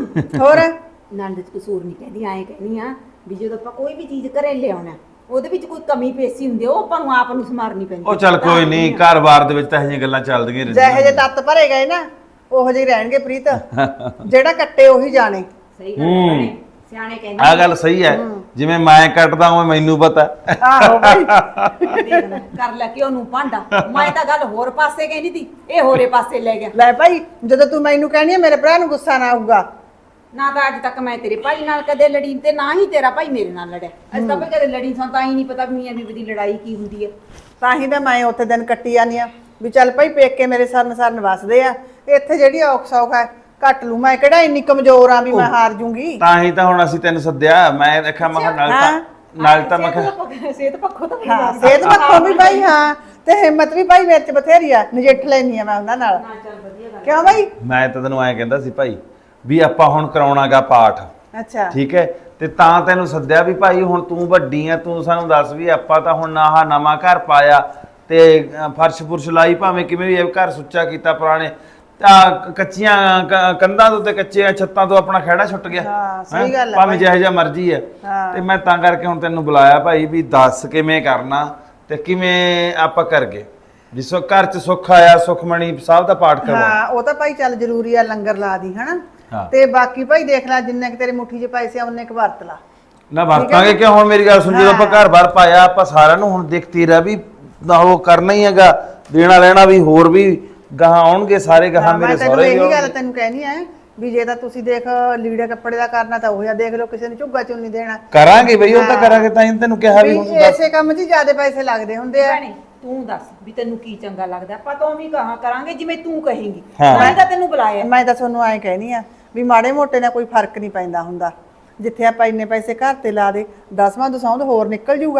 D: ਹੋਰ
G: ਨੰਦ ਚ ਕਸੂਰ ਨਹੀਂ ਕਹਿੰਦੀ ਐਂ ਕਹਿੰਦੀ ਆ ਵੀ ਜਦੋਂ ਆਪਾਂ ਕੋਈ ਵੀ ਚੀਜ਼ ਘਰੇ ਲਿਆਉਣਾ ਉਹਦੇ ਵਿੱਚ ਕੋਈ ਕਮੀ ਪੇਸ਼ੀ ਹੁੰਦੀ ਆ, ਉਹ ਆਪਾਂ ਨੂੰ ਆਪ ਨੂੰ ਸਮਾਰਨੀ ਪੈਂਦੀ
A: ਉਹ ਚੱਲ ਕੋਈ ਨਹੀਂ ਘਰ-ਬਾਰ ਦੇ ਵਿੱਚ ਤਾਂ ਇਹ ਜਿਹੀਆਂ ਗੱਲਾਂ ਚੱਲਦੀਆਂ
D: ਜਿਹੇ
A: ਰਹਿੰਦੀਆਂ
D: ਜਿਹੇ ਤੱਤ ਭਰੇ ਗਏ ਨਾ ਉਹੋ ਜਿਹੇ ਰਹਿਣਗੇ ਪ੍ਰੀਤ ਜਿਹੜਾ ਕੱਟੇ ਉਹੀ ਜਾਣੇ
G: ਸਹੀ ਗੱਲ ਹੈ ਭੈਣੇ, ਸਿਆਣੇ ਕਹਿੰਦੇ
A: ਆਹ ਗੱਲ ਸਹੀ ਹੈ ਜਿਵੇਂ ਮੈਂ ਕੱਟਦਾ ਹਾਂ ਮੈਨੂੰ ਪਤਾ
D: ਆਹੋ ਭਾਈ
G: ਦੇਖ ਲੈ, ਕਰ ਲੈ ਕਿ ਉਹਨੂੰ ਭਾਂਡਾ ਮੈਂ ਤਾਂ ਗੱਲ ਹੋਰ ਪਾਸੇ ਕਹਿੰਦੀ ਤੀ ਇਹ ਹੋਰੇ ਪਾਸੇ ਲੈ ਗਿਆ
D: ਲੈ ਭਾਈ ਜਦੋਂ ਤੂੰ ਮੈਨੂੰ ਕਹਿਣੀ ਆ ਮੇਰੇ ਭਰਾ ਨੂੰ ਗੁੱਸਾ ਨਾ ਆਊਗਾ
G: ਨਾ ਤਾਂ ਅੱਜ ਤੱਕ ਮੈਂ ਤੇਰੇ ਭਾਈ ਨਾਲ ਕਦੇ ਲੜੀ ਤੇ ਨਾ ਹੀ ਤੇਰਾ ਭਾਈ ਮੇਰੇ ਨਾਲ ਲੜਿਆ ਅੱਜ ਤਾਂ ਭਾਈ ਕਦੇ ਲੜੀ ਸਾਂ ਤਾਂ ਹੀ ਨਹੀਂ ਪਤਾ ਵੀ ਮੀਆਂ ਬੀਬੀ ਦੀ ਲੜਾਈ ਕੀ ਹੁੰਦੀ ਹੈ
D: ਤਾਂ ਹੀ ਤਾਂ ਮੈਂ ਉੱਥੇ ਦਿਨ ਕੱਟੀ ਜਾਂਦੀ ਆ ਵੀ ਚੱਲ ਭਾਈ ਪੇਕੇ ਮੇਰੇ ਸਰਨ ਸਰਨ ਵਸਦੇ ਆ ਇੱਥੇ ਜਿਹੜੀ ਔਖ ਸੌਖ ਹੈ ਕੱਟ ਲੂ ਮੈਂ ਕਿਹੜਾ ਇੰਨੀ ਕਮਜ਼ੋਰ ਆ ਵੀ ਮੈਂ ਹਾਰ ਜੂੰਗੀ
A: ਤਾਂ ਹੀ ਤਾਂ ਹੁਣ ਅਸੀਂ ਤੈਨੂੰ ਸੱਦਿਆ ਮੈਂ ਦੇਖਿਆ ਮੈਂ ਕਿਹਾ ਨਾਲ ਤਾਂ ਨਾਲ ਤਾਂ ਮੈਂ ਕਿਹਾ
G: ਸਿਹਤ ਪੱਖੋਂ ਤਾਂ
D: ਹਾਂ ਸਿਹਤ ਪੱਖੋਂ ਵੀ ਭਾਈ ਹਾਂ ਤੇ ਹਿੰਮਤ ਵੀ ਭਾਈ ਮੇਰੇ ਚ ਬਥੇਰੀ ਆ ਨਜਿੱਠ ਲੈਣੀ ਆ ਮੈਂ ਉਹਨਾਂ ਨਾਲ ਕਿਉਂ ਭਾਈ
A: ਮੈਂ ਤਾਂ ਤੈਨੂੰ ਐਂ ਕਹਿੰਦਾ ਸੀ ਭਾਈ ਵੀ ਆਪਾਂ ਹੁਣ ਕਰਾਉਣਾਗਾ ਪਾਠ
D: ਅੱਛਾ
A: ਠੀਕ ਹੈ ਤੇ ਤਾਂ ਤੈਨੂੰ ਸੱਦਿਆ ਵੀ ਭਾਈ ਹੁਣ ਤੂੰ ਵੱਡੀ ਆ ਤੂੰ ਸਾਨੂੰ ਦੱਸ ਵੀ ਆਪਾਂ ਤਾਂ ਹੁਣ ਆਹ ਨਵਾਂ ਘਰ ਪਾਇਆ ਤੇ ਅ, ਫਰਸ਼ ਫੁਰਸ਼ ਲਾਈ ਭਾਵੇਂ ਕਿਵੇਂ ਵੀ ਇਹ ਘਰ ਸੁੱਚਾ ਕੀਤਾ ਪੁਰਾਣੇ ਤਾਂ ਕੱਚੀਆਂ ਕ- ਕੰਧਾਂ ਤੋਂ ਤੇ ਕੱਚੀਆਂ ਛੱਤਾਂ ਤੋਂ ਆਪਣਾ ਖਹਿੜਾ ਛੁੱਟ ਗਿਆ
D: ਹਾਂ, ਸਹੀ
A: ਹੈਂ?
D: ਗੱਲ ਹੈ
A: ਭਾਵੇਂ ਜਿਹੋ ਜਿਹਾ ਮਰਜ਼ੀ ਹੈ
D: ਹਾਂ।
A: ਤੇ ਮੈਂ ਤਾਂ ਕਰਕੇ ਹੁਣ ਤੈਨੂੰ ਬੁਲਾਇਆ ਭਾਈ ਵੀ ਦੱਸ ਕਿਵੇਂ ਕਰਨਾ ਤੇ ਕਿਵੇਂ ਆਪਾਂ ਕਰਗੇ ਵੀ ਸੋ ਘਰ ਚ ਸੁੱਖ ਆਇਆ ਸੁਖਮਣੀ ਸਾਹਿਬ ਦਾ ਪਾਠ ਕਰਵਾ
D: ਹਾਂ ਉਹ ਤਾਂ ਭਾਈ ਚੱਲ ਜ਼ਰੂਰੀ ਆ ਲੰਗਰ ਲਾ ਦੀ ਹਨਾ
A: ਹਾਂ।
D: ਤੇ ਬਾਕੀ ਭਾਈ ਦੇਖ ਲੈ ਜਿੰਨੇ ਕਿ ਤੇਰੇ ਮੁੱਠੀ 'ਚ ਪੈਸੇ ਆ ਉਹਨੇ ਕੁ ਵਰਤ ਲਾ
A: ਨਾ ਵਰਤਾਂਗੇ ਕਿ ਹੁਣ ਮੇਰੀ ਗੱਲ ਸੁਣ ਜਦੋਂ ਆਪਾਂ ਘਰ ਬਾਰ ਪਾਇਆ ਆਪਾਂ ਸਾਰਿਆਂ ਨੂੰ ਹੁਣ ਦੇਖਤੀ ਰਹਿ ਵੀ ਨਾ ਉਹ ਕਰਨਾ ਹੀ ਹੈਗਾ ਦੇਣਾ ਲੈਣਾ ਵੀ ਹੋਰ ਵੀ ਗਾਹਾਂ ਆਉਣਗੇ ਸਾਰੇ ਗਾਹਾਂ
D: ਮੈਂ
A: ਮੇਰੇ
D: ਤੈਨੂੰ
A: ਸਹੁਰੇ ਵੀ
D: ਇਹੀ ਗੱਲ
A: ਆਉਣਗੇ।
D: ਤੈਨੂੰ ਕਹਿਣੀ ਆ ਵੀ ਜੇ ਤਾਂ ਤੁਸੀਂ ਦੇਖ ਲੀੜੇ ਕੱਪੜੇ ਦਾ ਕਰਨਾ ਤਾਂ ਉਹ ਜਿਹਾ ਦੇਖ ਲਓ ਕਿਸੇ ਨੂੰ ਝੁੱਗਾ ਚੁੰਨੀ ਦੇਣਾ
A: ਕਰਾਂਗੇ ਬਈ ਉਹ ਤਾਂ ਕਰਾਂਗੇ ਤਾਂ ਹੀ ਤੈਨੂੰ ਕਿਹਾ ਵੀ
D: ਵੀ
A: ਹੁਣ ਤੂੰ ਦੱਸ
D: ਐਸੇ ਕੰਮ 'ਚ ਜ਼ਿਆਦਾ ਪੈਸੇ ਲੱਗਦੇ ਹੁੰਦੇ ਆ
G: ਭੈਣੇ ਤੂੰ ਦੱਸ ਵੀ ਤੈਨੂੰ ਕੀ ਚੰਗਾ ਲੱਗਦਾ ਆਪਾਂ ਤਾਂ ਵੀ ਕਹਾ ਕਰਾਂਗੇ ਜਿਵੇਂ ਤੂੰ ਕਹੇਂਗੀ
A: ਹਾਂ।
G: ਮੈਂ ਤਾਂ ਤੈਨੂੰ ਬੁਲਾਇਆ
D: ਮੈਂ ਤਾਂ ਤੁਹਾਨੂੰ ਐਂ ਕਹਿਣੀ ਆ ਵੀ ਮਾੜੇ ਮੋਟੇ ਨਾਲ ਕੋਈ ਫਰਕ ਨਹੀਂ ਪੈਂਦਾ ਹੁੰਦਾ ਜਿੱਥੇ ਆਪਾਂ ਇੰਨੇ ਪੈਸੇ ਘਰ ਤੇ ਲਾ ਦੇ ਦਸਵਾਂ ਦਸਾਉਂਦ ਹੋਰ ਨਿਕਲ ਜੂਗਾ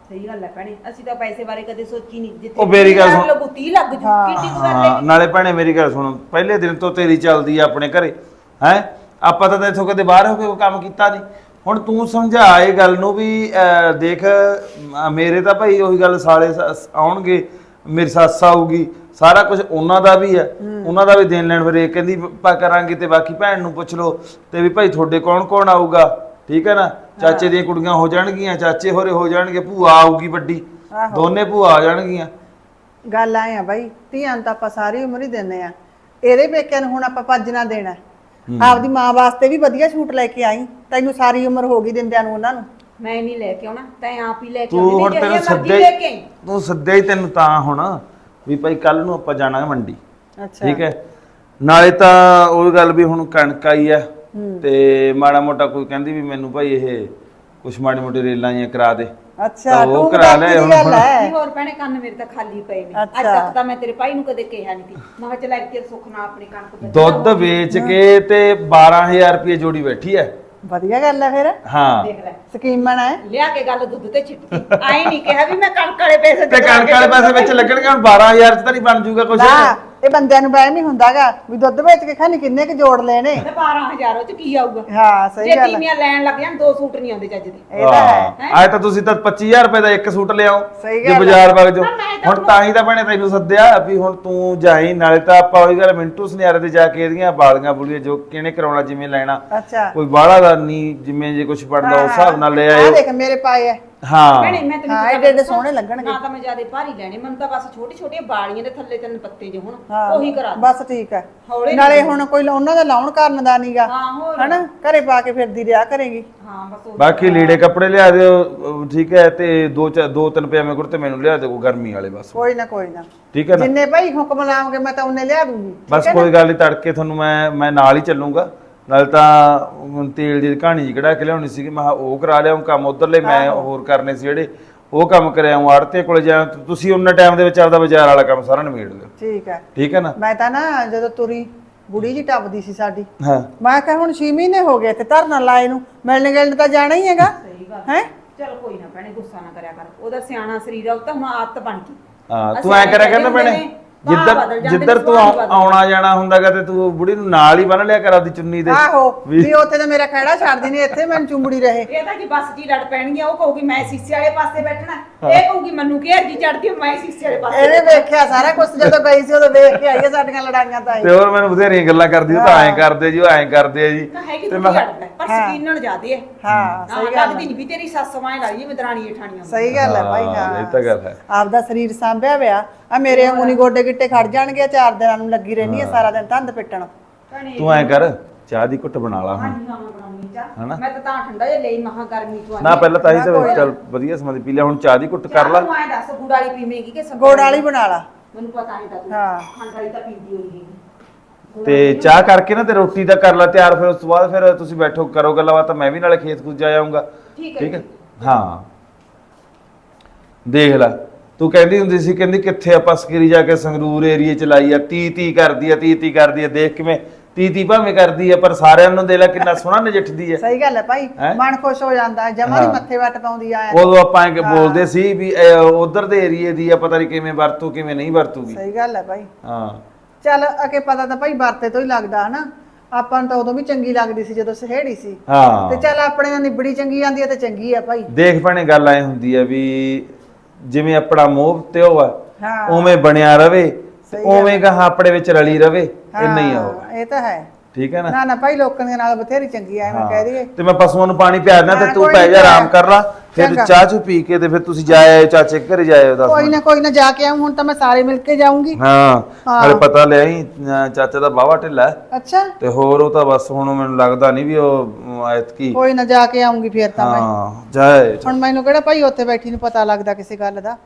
G: ਸਹੀ ਗੱਲ ਹੈ ਭੈਣੇ, ਅਸੀਂ ਤਾਂ ਪੈਸੇ ਬਾਰੇ ਕਦੇ ਸੋਚੀ ਨਹੀਂ। ਜਿੱਥੇ
A: ਉਹ ਮੇਰੀ ਗੱਲ ਸੁਣ।
G: ਲੱਗੂ ਤੀਹ ਲੱਗ ਜੂ, ਕਿੱਡੀ ਕੁ ਗੱਲ
A: ਹਾਂ
G: ਹੈ।
A: ਨਾਲੇ ਭੈਣੇ ਮੇਰੀ ਗੱਲ ਸੁਣ, ਪਹਿਲੇ ਦਿਨ ਤੋਂ ਤੇਰੀ ਚੱਲਦੀ ਆ ਆਪਣੇ ਘਰੇ ਹੈ। ਆਪਾਂ ਤਾਂ ਇੱਥੋਂ ਕਦੇ ਬਾਹਰ ਹੋ ਕੇ ਕੋਈ ਕੰਮ ਕੀਤਾ ਨਹੀਂ। ਹੁਣ ਤੂੰ ਸਮਝਾ ਇਹ ਗੱਲ ਨੂੰ ਵੀ ਅਹ, ਦੇਖ ਅਹ, ਮੇਰੇ ਤਾਂ ਭਾਈ ਉਹੀ ਗੱਲ ਸਾਲੇ ਸ- ਆਉਣਗੇ, ਮੇਰੀ ਸੱਸ ਆਊਗੀ, ਸਾਰਾ ਕੁਝ ਉਹਨਾਂ ਦਾ ਵੀ ਹੈ, ਉਹਨਾਂ ਦਾ ਵੀ ਦੇਣ ਲੈਣ। ਫਿਰ ਇਹ ਕਹਿੰਦੀ ਆਪਾਂ ਕਰਾਂਗੇ ਤੇ ਬਾਕੀ ਭੈਣ ਨੂੰ ਪੁੱਛ ਲਓ ਤੇ ਵੀ ਭਾਈ ਤੁਹਾਡੇ ਕੌਣ ਕੌਣ ਆਊਗਾ, ਠੀਕ ਹੈ ਨਾ। ਚਾਚੇ ਦੀਆਂ ਕੁੜੀਆਂ ਹੋ ਜਾਣਗੀਆਂ, ਚਾਚੇ ਹੋਰੇ ਹੋ ਜਾਣਗੇ, ਭੂਆ ਆਊਗੀ ਵੱਡੀ, ਦੋਨੇ ਭੂਆ ਆ ਜਾਣਗੀਆਂ।
D: ਗੱਲ ਆਏ ਆ ਬਾਈ, ਧੀਆਂ ਨੂੰ ਤਾਂ ਆਪਾਂ ਸਾਰੀ ਉਮਰ ਹੀ ਦਿੰਦੇ ਆ। ਇਹਦੇ ਪੇਕਿਆਂ ਨੂੰ ਹੁਣ ਆਪਾਂ ਭੱਜ ਨਾ ਦੇਣਾ। ਆਪਦੀ ਮਾਂ ਵਾਸਤੇ ਵੀ ਵਧੀਆ ਛੂਟ ਲੈ ਕੇ ਆਈ। ਤੈਨੂੰ ਸਾਰੀ ਉਮਰ ਹੋ ਗਈ ਦਿੰਦਿਆਂ ਨੂੰ ਉਹਨਾਂ ਨੂੰ।
G: ਮੈਂ ਨਹੀਂ ਲੈ ਕੇ ਆਉਣਾ, ਤੈਂ ਆਪ ਹੀ ਲੈ ਕੇ
A: ਤੂੰ
G: ਆਉਣੀ,
A: ਹੁਣ
G: ਜਿਹੜੀ
A: ਤੈਨੂੰ
G: ਮਰਜ਼ੀ
A: ਸੱਦਿਆ
G: ਲੈ ਕੇ ਆਈ।
A: ਹੀ ਤੂੰ ਸੱਦਿਆ ਹੀ ਤੈਨੂੰ ਤਾਂ ਹੁਣ ਵੀ ਭਾਈ ਕੱਲ ਨੂੰ ਆਪਾਂ ਜਾਣਾ ਹੈ ਮੰਡੀ,
D: ਅੱਛਾ
A: ਠੀਕ ਹੈ। ਨਾਲੇ ਤਾਂ ਉਹ ਗੱਲ ਵੀ ਹੁਣ ਕਣਕ ਆਈ ਆ ਤੇ ਮਾੜਾ ਮੋਟਾ ਕੋਈ ਕਹਿੰਦੀ ਵੀ ਮੈਨੂੰ ਭਾਈ ਇਹ ਕੁਛ ਮਾੜੀ ਮੋਟੀ ਰੇਲਾਂ ਜਿਹੀਆਂ ਕਰਾ ਦੇ,
D: ਅੱਛਾ
A: ਤਾਂ ਉਹ
D: ਤੂੰ
A: ਕਰਾ
D: ਕਰਾ
A: ਲੈ
D: ਲੈ
A: ਹੁਣ।
G: ਨਹੀਂ ਹੋਰ ਭੈਣੇ, ਕੰਨ ਮੇਰੇ ਤਾਂ ਖਾਲੀ ਪਏ ਨੇ। ਅੱਜ
D: ਅੱਛਾ।
G: ਤੱਕ ਤਾਂ ਮੈਂ ਤੇਰੇ ਭਾਈ ਨੂੰ ਕਦੇ ਕਿਹਾ ਨਹੀਂ ਸੀ। ਮੈਂ ਕਿਹਾ ਚੱਲ ਇੱਥੇ ਸੁੱਖ ਨਾਲ ਆਪਣੀ ਕਣਕ ਬਚਾ
A: ਦੁੱਧ ਵੇਚ ਕੇ ਤੇ ਬਾਰਾਂ ਹਜ਼ਾਰ ਰੁਪਏ ਜੋੜੀ ਬੈਠੀ ਹੈ।
D: ਵਧੀਆ ਗੱਲ ਹੈ ਫਿਰ,
A: ਹਾਂ
G: ਦੇਖ ਲੈ,
D: ਸਕੀਮਣ ਹੈ।
G: ਲਿਆ ਕੇ ਗੱਲ ਦੁੱਧ ਤੇ ਛਿੱਟਦੀ। ਆਏ ਨਹੀਂ ਕਿਹਾ ਵੀ ਮੈਂ ਕਣਕ ਵਾਲੇ ਪੈਸੇ
A: ਤੇ ਕਣਕ ਵਾਲੇ ਪੈਸੇ ਵਿੱਚ ਲੱਗਣਗੇ। ਹੁਣ ਬਾਰਾਂ ਹਜ਼ਾਰ ਚ ਤਾਂ ਨਹੀਂ ਬਣ ਜੂਗਾ ਕੁਛ।
D: ਨਾ ਇਹ ਬੰਦਿਆਂ ਨੂੰ ਵਹਿਮ ਹੀ ਹੁੰਦਾਗਾ ਵੀ ਦੁੱਧ ਵੇਚ ਕੇ ਖਾਣੀ ਕਿੰਨੇ ਕੁ ਜੋੜ ਲੈਣੇ।
G: ਤੇ ਬਾਰਾਂ ਹਜ਼ਾਰ ਉਹ ਚ ਕੀ ਆਊਗਾ?
D: ਹਾਂ ਸਹੀ
G: ਜੇ
D: ਗੱਲ ਹੈ,
G: ਤੀਵੀਆਂ ਲੈਣ ਲੱਗ ਜਾਣ ਦੋ ਸੂਟ ਨਹੀਂ ਆਉਂਦੇ ਚੱਜ ਦੇ।
D: ਇਹ ਤਾਂ ਹੈ।
A: ਆਏ ਤਾਂ ਤੁਸੀਂ ਤਾਂ ਪੱਚੀ ਹਜ਼ਾਰ ਰੁਪਏ ਦਾ ਇੱਕ ਸੂਟ ਲਿਆਓ
D: ਸਹੀ
A: ਜੇ
D: ਗੱਲ
A: ਬਾਜ਼ਾਰ ਵਗ ਜਾਓ।
G: ਨਾ, ਮੈਂ ਤਾਂ
A: ਹੁਣ ਤਾਂ ਹੀ ਤਾਂ ਭੈਣੇ ਤੈਨੂੰ ਸੱਦਿਆ ਵੀ ਹੁਣ ਤੂੰ ਜਾਈ। ਨਾਲੇ ਤਾਂ ਆਪਾਂ ਉਹੀ ਗੱਲ ਮਿੰਟੂ ਸੁਨਿਆਰੇ ਤੇ ਜਾ ਕੇ ਇਹਦੀਆਂ ਬਾਲੀਆਂ ਬੁਲੀਆਂ ਜੋ ਕਿਹਨੇ ਕਰਾਉਣਾ ਜਿਵੇਂ ਲੈਣਾ,
D: ਅੱਛਾ
A: ਕੋਈ ਬਾਹਲਾ ਦਾ ਨਹੀਂ, ਜਿਵੇਂ ਜੇ ਕੁਝ ਬਣਦਾ ਉਸ ਹਿਸਾਬ ਨਾਲ ਲੈ
D: ਆ
A: ਆਇਓ।
D: ਦੇਖ ਮੇਰੇ ਪਾਏ ਐ।
A: ਹਾਂ
G: ਭੈਣੇ ਮੈਂ ਤੈਨੂੰ
D: ਹਾਂ,
G: ਇੱਕ
D: ਐਡੇ ਐਡੇ
G: ਗੱਲ
D: ਸੋਹਣੇ
G: ਦੱਸਾਂ?
D: ਲੱਗਣਗੇ।
G: ਨਾ ਤਾਂ ਮੈਂ ਜਿਆਦੇ ਭਾਰੀ ਲੈਣੇ, ਮੈਨੂੰ ਤਾਂ ਬਸ ਛੋਟੀ ਛੋਟੀਆਂ ਬਾਲੀਆਂ ਦੇ ਥੱਲੇ ਤਿੰਨ ਪੱਤੇ ਜਿਹੇ
D: ਹਾਂ,
G: ਹੁਣ ਉਹੀ ਕਰਾ ਦੇ।
D: ਬਸ ਠੀਕ ਹੈ।
G: ਹੌਲੇ
D: ਨਾਲੇ ਹੁਣ ਕੋਈ ਉਹਨਾਂ ਦਾ ਲਾਉਣ ਕਰਨ ਦਾ ਨਹੀਂਗਾ,
G: ਹਾਂ ਹੋਰ
D: ਹਨਾ ਘਰੇ ਪਾ ਕੇ ਫਿਰਦੀ ਰਿਹਾ ਕਰੇਗੀ।
G: ਹਾਂ ਬਸ ਉਹ
A: ਬਾਕੀ ਲੀੜੇ ਕੱਪੜੇ ਲਿਆ ਦਿਓ, ਅਹ ਠੀਕ ਹੈ। ਤੇ ਦੋ ਚਾ- ਦੋ ਤਿੰਨ ਪਜਾਮੇ ਕੁੜਤੇ ਮੈਨੂੰ ਲਿਆ ਦਿਓ ਗਰਮੀ ਵਾਲੇ ਬਸ,
D: ਕੋਈ ਨਾ ਕੋਈ ਨਾ,
A: ਠੀਕ ਹੈ ਨਾ।
D: ਜਿੰਨੇ ਭਾਈ ਹੁਕਮ ਲਾਉਂਗੇ ਮੈਂ ਤਾਂ ਉਹਨੇ ਲਿਆ ਦੂੰਗੀ।
A: ਬਸ ਕੋਈ ਗੱਲ ਨਹੀਂ, ਤੜਕੇ ਤੁਹਾਨੂੰ ਮੈਂ ਮੈਂ ਨਾਲ ਹੀ ਚੱਲੂੰਗਾ। ਨਾਲ ਤਾਂ ਹੁਣ ਤੇਲ ਦੀ ਕਹਾਣੀ ਜੀ ਕਢਾ ਕੇ ਲਿਆਉਣੀ ਸੀਗੀ, ਮੈਂ ਕਿਹਾ ਉਹ ਕਰਾ ਲਿਆਉਂ ਕੰਮ ਉਧਰਲੇ, ਮੈਂ ਹੋਰ ਕਰਨੇ ਸੀ ਜਿਹੜੇ ਉਹ ਕੰਮ ਕਰਿਆ ਆਉਂ। ਆੜਤੇ ਕੋਲੇ ਜਾ, ਤੁਸੀਂ ਉਹਨਾਂ ਟਾਈਮ ਦੇ ਵਿੱਚ ਆਪਦਾ ਬਾਜ਼ਾਰ ਵਾਲਾ ਕੰਮ ਸਾਰਾ ਨਿਬੇੜ ਲਿਓ,
D: ਠੀਕ ਹੈ।
A: ਠੀਕ ਹੈ ਨਾ।
D: ਮੈਂ ਤਾਂ ਨਾ ਜਦੋਂ ਤੁਰੀ ਬੁੜੀ ਜੀ ਟੱਪਦੀ ਸੀ ਸਾਡੀ,
A: ਹਾਂ
D: ਮੈਂ ਕਿਹਾ ਹੁਣ ਛੇ ਮਹੀਨੇ ਹੋ ਗਏ ਤੇ ਧਰਨਾ ਲਾਏ ਨੂੰ, ਮਿਲਣ ਗਿਲਣ ਤਾਂ ਜਾਣਾ ਹੀ ਹੈਗਾ ਹੈ।
G: ਚਲ ਕੋਈ ਨਾ ਭੈਣੇ, ਗੁੱਸਾ ਨਾ ਕਰਿਆ ਕਰ। ਉਹਦਾ ਸਿਆਣਾ ਸਰੀਰ ਆ, ਉਹ ਤਾਂ ਹੁਣ ਆਦਤ ਬਣ ਗਈ।
A: ਹਾਂ ਤੂੰ
G: ਅਸੀਂ
A: ਐ ਕਰਿਆ
G: ਕਹਿੰਦੇ
A: ਕਰ ਨਾ ਭੈਣੇ,
G: ਹੁੰਦੇ ਨੇ, ਭਾਅ
A: ਜਿੱਧਰ
G: ਬਦਲ ਜਾਂਦੇ
A: ਜਿੱਧਰ
G: ਨੇ,
A: ਤੂੰ
G: ਸੁਭਾਅ
A: ਆਉ-
G: ਬਦਲ
A: ਆਉਣਾ ਜਾਣਾ ਹੁੰਦਾਗਾ ਤੇ ਤੂੰ ਬੁੜੀ ਨੂੰ ਨਾਲ ਹੀ ਬੰਨ ਲਿਆ ਕਰ ਆਪਦੀ ਚੁੰਨੀ ਦੇ।
D: ਆਹੋ ਵੀ ਉੱਥੇ ਤਾਂ ਮੇਰਾ ਖਹਿੜਾ ਛੱਡਦੀ ਨਹੀਂ, ਇੱਥੇ ਮੈਨੂੰ ਚੁੰਬੜੀ ਰਹੇ।
G: ਇਹ ਤਾਂ ਜੀ ਬੱਸ ਜੀ ਲੜ ਪੈਣਗੀਆਂ। ਉਹ ਕਹੂਗੀ ਮੈਂ ਸੀਸੇ ਵਾਲੇ ਪਾਸੇ ਬੈਠਣਾ, ਇਹ ਕਹੂਗੀ ਮੈਨੂੰ ਘੇਰ ਜੀ ਚੜਦੀ ਮੈਂ ਸੀਸੇ ਵਾਲੇ ਪਾਸੇ।
D: ਇਹਨੇ ਵੇਖਿਆ ਸਾਰਾ ਕੁਝ, ਜਦੋਂ ਗਈ ਸੀ ਉਦੋਂ ਵੇਖ ਕੇ ਆਈ ਹੈ ਸਾਡੀਆਂ ਲੜਾਈਆਂ ਤਾਂ ਇਹ।
A: ਤੇ ਹੋਰ ਮੈਨੂੰ ਬਥੇਰੀਆਂ ਗੱਲਾਂ ਕਰਦੀ, ਉਹ ਤਾਂ ਐਂ ਕਰਦੇ ਜੀ, ਉਹ ਐਂ ਕਰਦੇ ਆ ਜੀ।
G: ਤਾਂ ਹੈਗੀ
A: ਤੇ
G: ਤੂੰ
A: ਮੈਂ
G: ਲੜਦਾ ਪਰ ਸਕੀਨਣ ਜ਼ਿਆਦੇ ਹੈ।
D: ਹਾਂ
G: ਹਾਂ
D: ਸਹੀ ਗੱਲ
G: ਲੱਗਦੀ ਨਹੀਂ ਵੀ ਤੇਰੀ ਸੱਸ ਮਾਂ ਲਾਈ ਜਿਵੇਂ ਦਰਾਣੀ ਜਠਾਣੀਆਂ।
D: ਸਹੀ ਗੱਲ ਹੈ ਭਾਈ।
A: ਹਾਂ,
D: ਹਾਂ
A: ਇਹ ਤਾਂ ਗੱਲ ਹੈ।
D: ਆਪਦਾ ਸਰੀਰ ਸਾਂਭਿਆ ਵਿਆ ਆ, ਮੇਰੇ ਵਾਂਗੂ ਨੀ ਗੋਡੇ ਗਿੱਟੇ ਖੜ ਜਾਣਗੇ। ਚਾਰ ਦਿਨਾਂ ਨੂੰ ਲੱਗੀ ਰਹਿਣੀ ਹੈ ਸਾਰਾ ਦਿਨ ਧੰਦ ਪਿੱਟਣ।
A: ਤੂੰ ਐਂ ਕਰ, ਚਾਹ ਦੀ ਘੁੱਟ ਬਣਾ ਲਾ ਹੁਣ।
G: ਹਾਂਜੀ ਹਾਂ ਮੈਂ ਬਣਾਉਣੀ ਚਾਹ।
A: ਹਨਾ?
G: ਮੈਂ ਤਾਂ ਤਾਂ ਠੰਡਾ ਜਿਹਾ ਲਈ ਮਹਾ ਗਰਮੀ ਚ
A: ਨਾ ਪਹਿਲਾਂ ਤਾਂ ਹੀ ਤਾਂ ਚੱਲ ਵਧੀਆ ਸਮਾਂ ਦੀ ਪੀ ਲਿਆ, ਹੁਣ ਚਾਹ ਦੀ ਘੁੱਟ ਕਰ ਲਾ।
G: ਤੂੰ ਐਂ ਦੱਸ ਗੁੜ ਵਾਲੀ ਪੀਵੇਂਗੀ ਕਿ
D: ਗੋੜ ਵਾਲੀ ਬਣਾ ਲਾ।
G: ਮੈਨੂੰ ਪਤਾ ਨਹੀਂ ਤਾਂ ਤੂੰ
D: ਹਾਂ।
G: ਖੰਡ ਵਾਲੀ ਤਾਂ ਪੀਂਦੀ ਹੋਈ
A: ਤੇ ਚਾਹ ਕਰਕੇ ਨਾ ਤੇ ਰੋਟੀ ਦਾ ਕਰ ਲਾ ਤਿਆਰ, ਫਿਰ ਉਸ ਤੋਂ ਬਾਅਦ ਫਿਰ ਤੁਸੀਂ ਬੈਠੋ ਕਰੋ ਗੱਲਾਂ ਬਾਤਾਂ, ਮੈਂ ਵੀ ਨਾਲੇ ਖੇਤ ਖੂਤ ਜਾ ਆਉਂਗਾ।
G: ਠੀਕ ਹੈ
A: ਠੀਕ ਹੈ ਹਾਂ। ਦੇਖ ਲੈ ਤੂੰ ਕਹਿੰਦੀ ਹੁੰਦੀ ਸੀ, ਕਹਿੰਦੀ ਕਿੱਥੇ ਆਪਾਂ ਸਕਰੀ ਜਾ ਕੇ ਸੰਗਰੂਰ ਏਰੀਏ ਚ ਲਾਈ ਆ, ਤੀ ਤੀ ਕਰਦੀ ਆ, ਤੀ ਤੀ ਕਰਦੀ ਆ। ਦੇਖ ਕਿਵੇਂ ਤੀ ਤੀ ਭਾਵੇਂ ਕਰਦੀ ਆ, ਪਰ ਸਾਰਿਆਂ ਨੂੰ ਦੇ ਲੈ ਕਿੰਨਾ ਸੋਹਣਾ ਨਜਿੱਠਦੀ ਆ।
D: ਸਹੀ ਗੱਲ ਹੈ ਭਾਈ,
A: ਹੈਂ?
D: ਮਨ ਖੁਸ਼ ਹੋ ਜਾਂਦਾ ਹੈ, ਜਮਾਂ ਦੀ
A: ਹਾਂ।
D: ਮੱਥੇ ਵੱਟ ਪਾਉਂਦੀ ਆ।
A: ਉਦੋਂ ਆਪਾਂ ਐਂ ਕਿ ਬੋਲਦੇ ਸੀ ਵੀ ਉਧਰ ਦੇ ਏਰੀਏ ਦੀ ਆ, ਪਤਾ ਨਹੀਂ ਕਿਵੇਂ ਵਰਤੂ ਕਿਵੇਂ ਨਹੀਂ ਵਰਤੂਗੀ।
D: ਸਹੀ ਗੱਲ ਹੈ ਭਾਈ।
A: ਹਾਂ
D: ਚੱਲ ਅਕੇ ਪਤਾ ਤਾਂ ਭਾਈ ਵਰਤੇ ਤੋਂ ਹੀ ਲੱਗਦਾ ਹਨਾ। ਆਪਾਂ ਨੂੰ ਤਾਂ ਉਦੋਂ ਵੀ ਚੰਗੀ ਲੱਗਦੀ ਸੀ ਜਦੋਂ ਸਹੇੜੀ ਸੀ।
A: ਹਾਂ
D: ਤੇ ਚੱਲ ਆਪਣੇ ਨਾਲ ਨਿਬੜੀ ਚੰਗੀ ਜਾਂਦੀ ਹੈ ਤੇ ਚੰਗੀ ਆ ਭਾਈ।
A: ਦੇਖ ਭੈਣੇ ਗੱਲ ਐ ਹੁੰਦੀ ਆ ਵੀ ਜਿਵੇਂ ਆਪਣਾ ਮੋਹ ਤੇ ਉਹ ਆ
D: ਹਾਂ
A: ਉਵੇਂ ਬਣਿਆ ਰਵੇ,
D: ਸਹੀ ਗੱਲ
A: ਉਵੇਂ ਕਹਾ ਆਪਣੇ ਵਿੱਚ ਰਲੀ ਰਵੇ, ਇੰਨਾ ਹੀ ਆ ਉਹ।
D: ਹਾਂ, ਇਹ ਤਾਂ ਹੈ।
A: ਠੀਕ ਹੈ ਨਾ।
D: ਨਾ ਨਾ ਭਾਈ ਲੋਕਾਂ ਦੇ ਨਾਲ ਬਥੇਰੀ ਚੰਗੀ ਆ, ਮੈਂ ਕਹਿ ਦਈਏ।
A: ਤੇ ਮੈਂ ਪਸ਼ੂਆਂ ਨੂੰ ਪਾਣੀ ਪਿਆ ਦਿੰਦਾ ਤੇ
D: ਹਾਂ,
A: ਤੂੰ
D: ਕੋਈ
A: ਪੈ
D: ਨੀ
A: ਜਾ ਆਰਾਮ
D: ਪਿਆ।
A: ਕਰ ਲਾ, ਫਿਰ
D: ਚੰਗਾ।
A: ਚਾਹ ਚੂ ਪੀ ਕੇ ਤੇ ਫਿਰ ਤੁਸੀਂ ਜਾ ਆਏ ਚਾਚੇ ਦੇ ਘਰੇ ਜਾਏ ਦੱਸ
D: ਕੋਈ ਨਾ ਕੋਈ ਨਾ ਜਾ ਕੇ ਆਉਂ, ਹੁਣ ਤਾਂ ਮੈਂ ਸਾਰੇ ਮਿਲ ਕੇ ਜਾਊਂਗੀ।
A: ਹਾਂ
D: ਹਾਂ।
A: ਹਲੇ ਪਤਾ ਲਿਆ ਹੀ ਚਾਚਾ ਦਾ ਬਾਵਾ ਢਿੱਲਾ ਹੈ,
D: ਅੱਛਾ
A: ਤੇ ਹੋਰ ਉਹ ਤਾਂ ਬਸ ਹੁਣ ਮੈਨੂੰ ਲੱਗਦਾ ਨਹੀਂ ਵੀ ਉਹ ਐਤਕੀ।
D: ਕੋਈ ਨਾ ਜਾ ਕੇ ਆਉਂਗੀ ਫਿਰ ਤਾਂ ਮੈਂ।
A: ਹਾਂ ਜਾਏ
D: ਹੁਣ ਮੈਨੂੰ ਕਿਹੜਾ ਭਾਈ ਉੱਥੇ ਬੈਠੀ ਨੂੰ ਪਤਾ ਲੱਗਦਾ ਕਿਸੇ ਗੱਲ ਦਾ।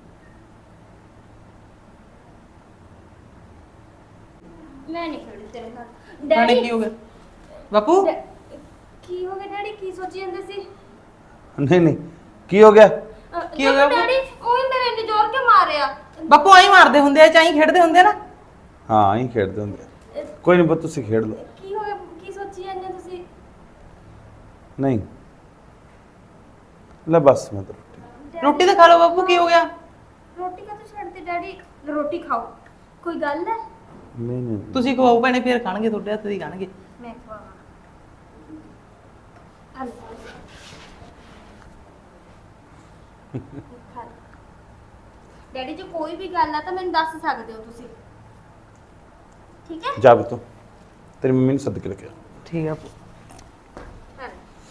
F: ਮੈਂ ਨਹੀਂ ਖੜੀ ਤੇਰੇ ਨਾਲ।
E: ਨਾਲੇ
F: ਡੈਡੀ
E: ਕੀ ਹੋ ਗਿਆ ਬਾਪੂ?
F: ਡੈ- ਕੀ ਹੋ ਗਿਆ ਡੈਡੀ? ਕੀ ਸੋਚੀ ਜਾਂਦੇ ਸੀ?
A: ਨਹੀਂ ਨਹੀਂ ਕੀ ਹੋ ਗਿਆ?
F: ਅ,
E: ਕੀ ਹੋ
F: ਦੇਖੋ
E: ਗਿਆ?
F: ਡੈਡੀ, ਉਹੀ ਮੇਰੇ ਇੰਨੇ ਜ਼ੋਰ ਕੇ ਮਾਰਿਆ।
E: ਬਾਪੂ ਆਈ ਮਾਰਦੇ ਹੁੰਦੇ ਆ, ਚਾਈ ਖੇਡਦੇ ਹੁੰਦੇ ਆ ਨਾ।
A: ਹਾਂ ਹੀ ਖੇਡਦੇ ਹੁੰਦੇ ਆ। ਕੋਈ ਨਹੀਂ ਪੁੱਤ ਤੁਸੀਂ ਖੇਡ ਲਓ।
F: ਕੀ ਹੋ ਗਿਆ? ਕੀ ਸੋਚੀ ਜਾਂਦੇ ਤੁਸੀਂ?
A: ਨਹੀਂ ਲੈ ਬਸ ਮੈਂ ਤਾਂ ਰੋਟੀ
E: ਰੋਟੀ ਤਾਂ ਖਾ ਲਓ ਬਾਪੂ, ਕੀ ਹੋ ਗਿਆ?
F: ਰੋਟੀ ਕਾ ਛੱਡਦੇ ਡੈਡੀ, ਰੋਟੀ ਖਾਓ, ਕੋਈ ਗੱਲ ਹੈ?
A: ਨਹੀਂ ਨਹੀਂ
E: ਤੁਸੀਂ ਖਵਾਓ ਭੈਣੇ, ਫੇਰ ਖਾਣਗੇ, ਤੁਹਾਡੇ ਹੱਥ ਦੀ ਖਾਣਗੇ।
F: ਮੈਂ ਖਵਾਵਾਂ। ਹਲ ਡੈਡੀ ਜੀ ਕੋਈ ਵੀ ਗੱਲ ਆ ਤਾਂ ਮੈਨੂੰ ਦੱਸ ਸਕਦੇ ਹੋ ਤੁਸੀਂ, ਠੀਕ ਹੈ?
A: ਜਾ ਬਤੋ, ਤੇਰੀ ਮੰਮੀ ਨੂੰ ਸੱਦ ਕੇ ਰੱਖਿਆ।
E: ਠੀਕ ਆ।
F: ਹਲ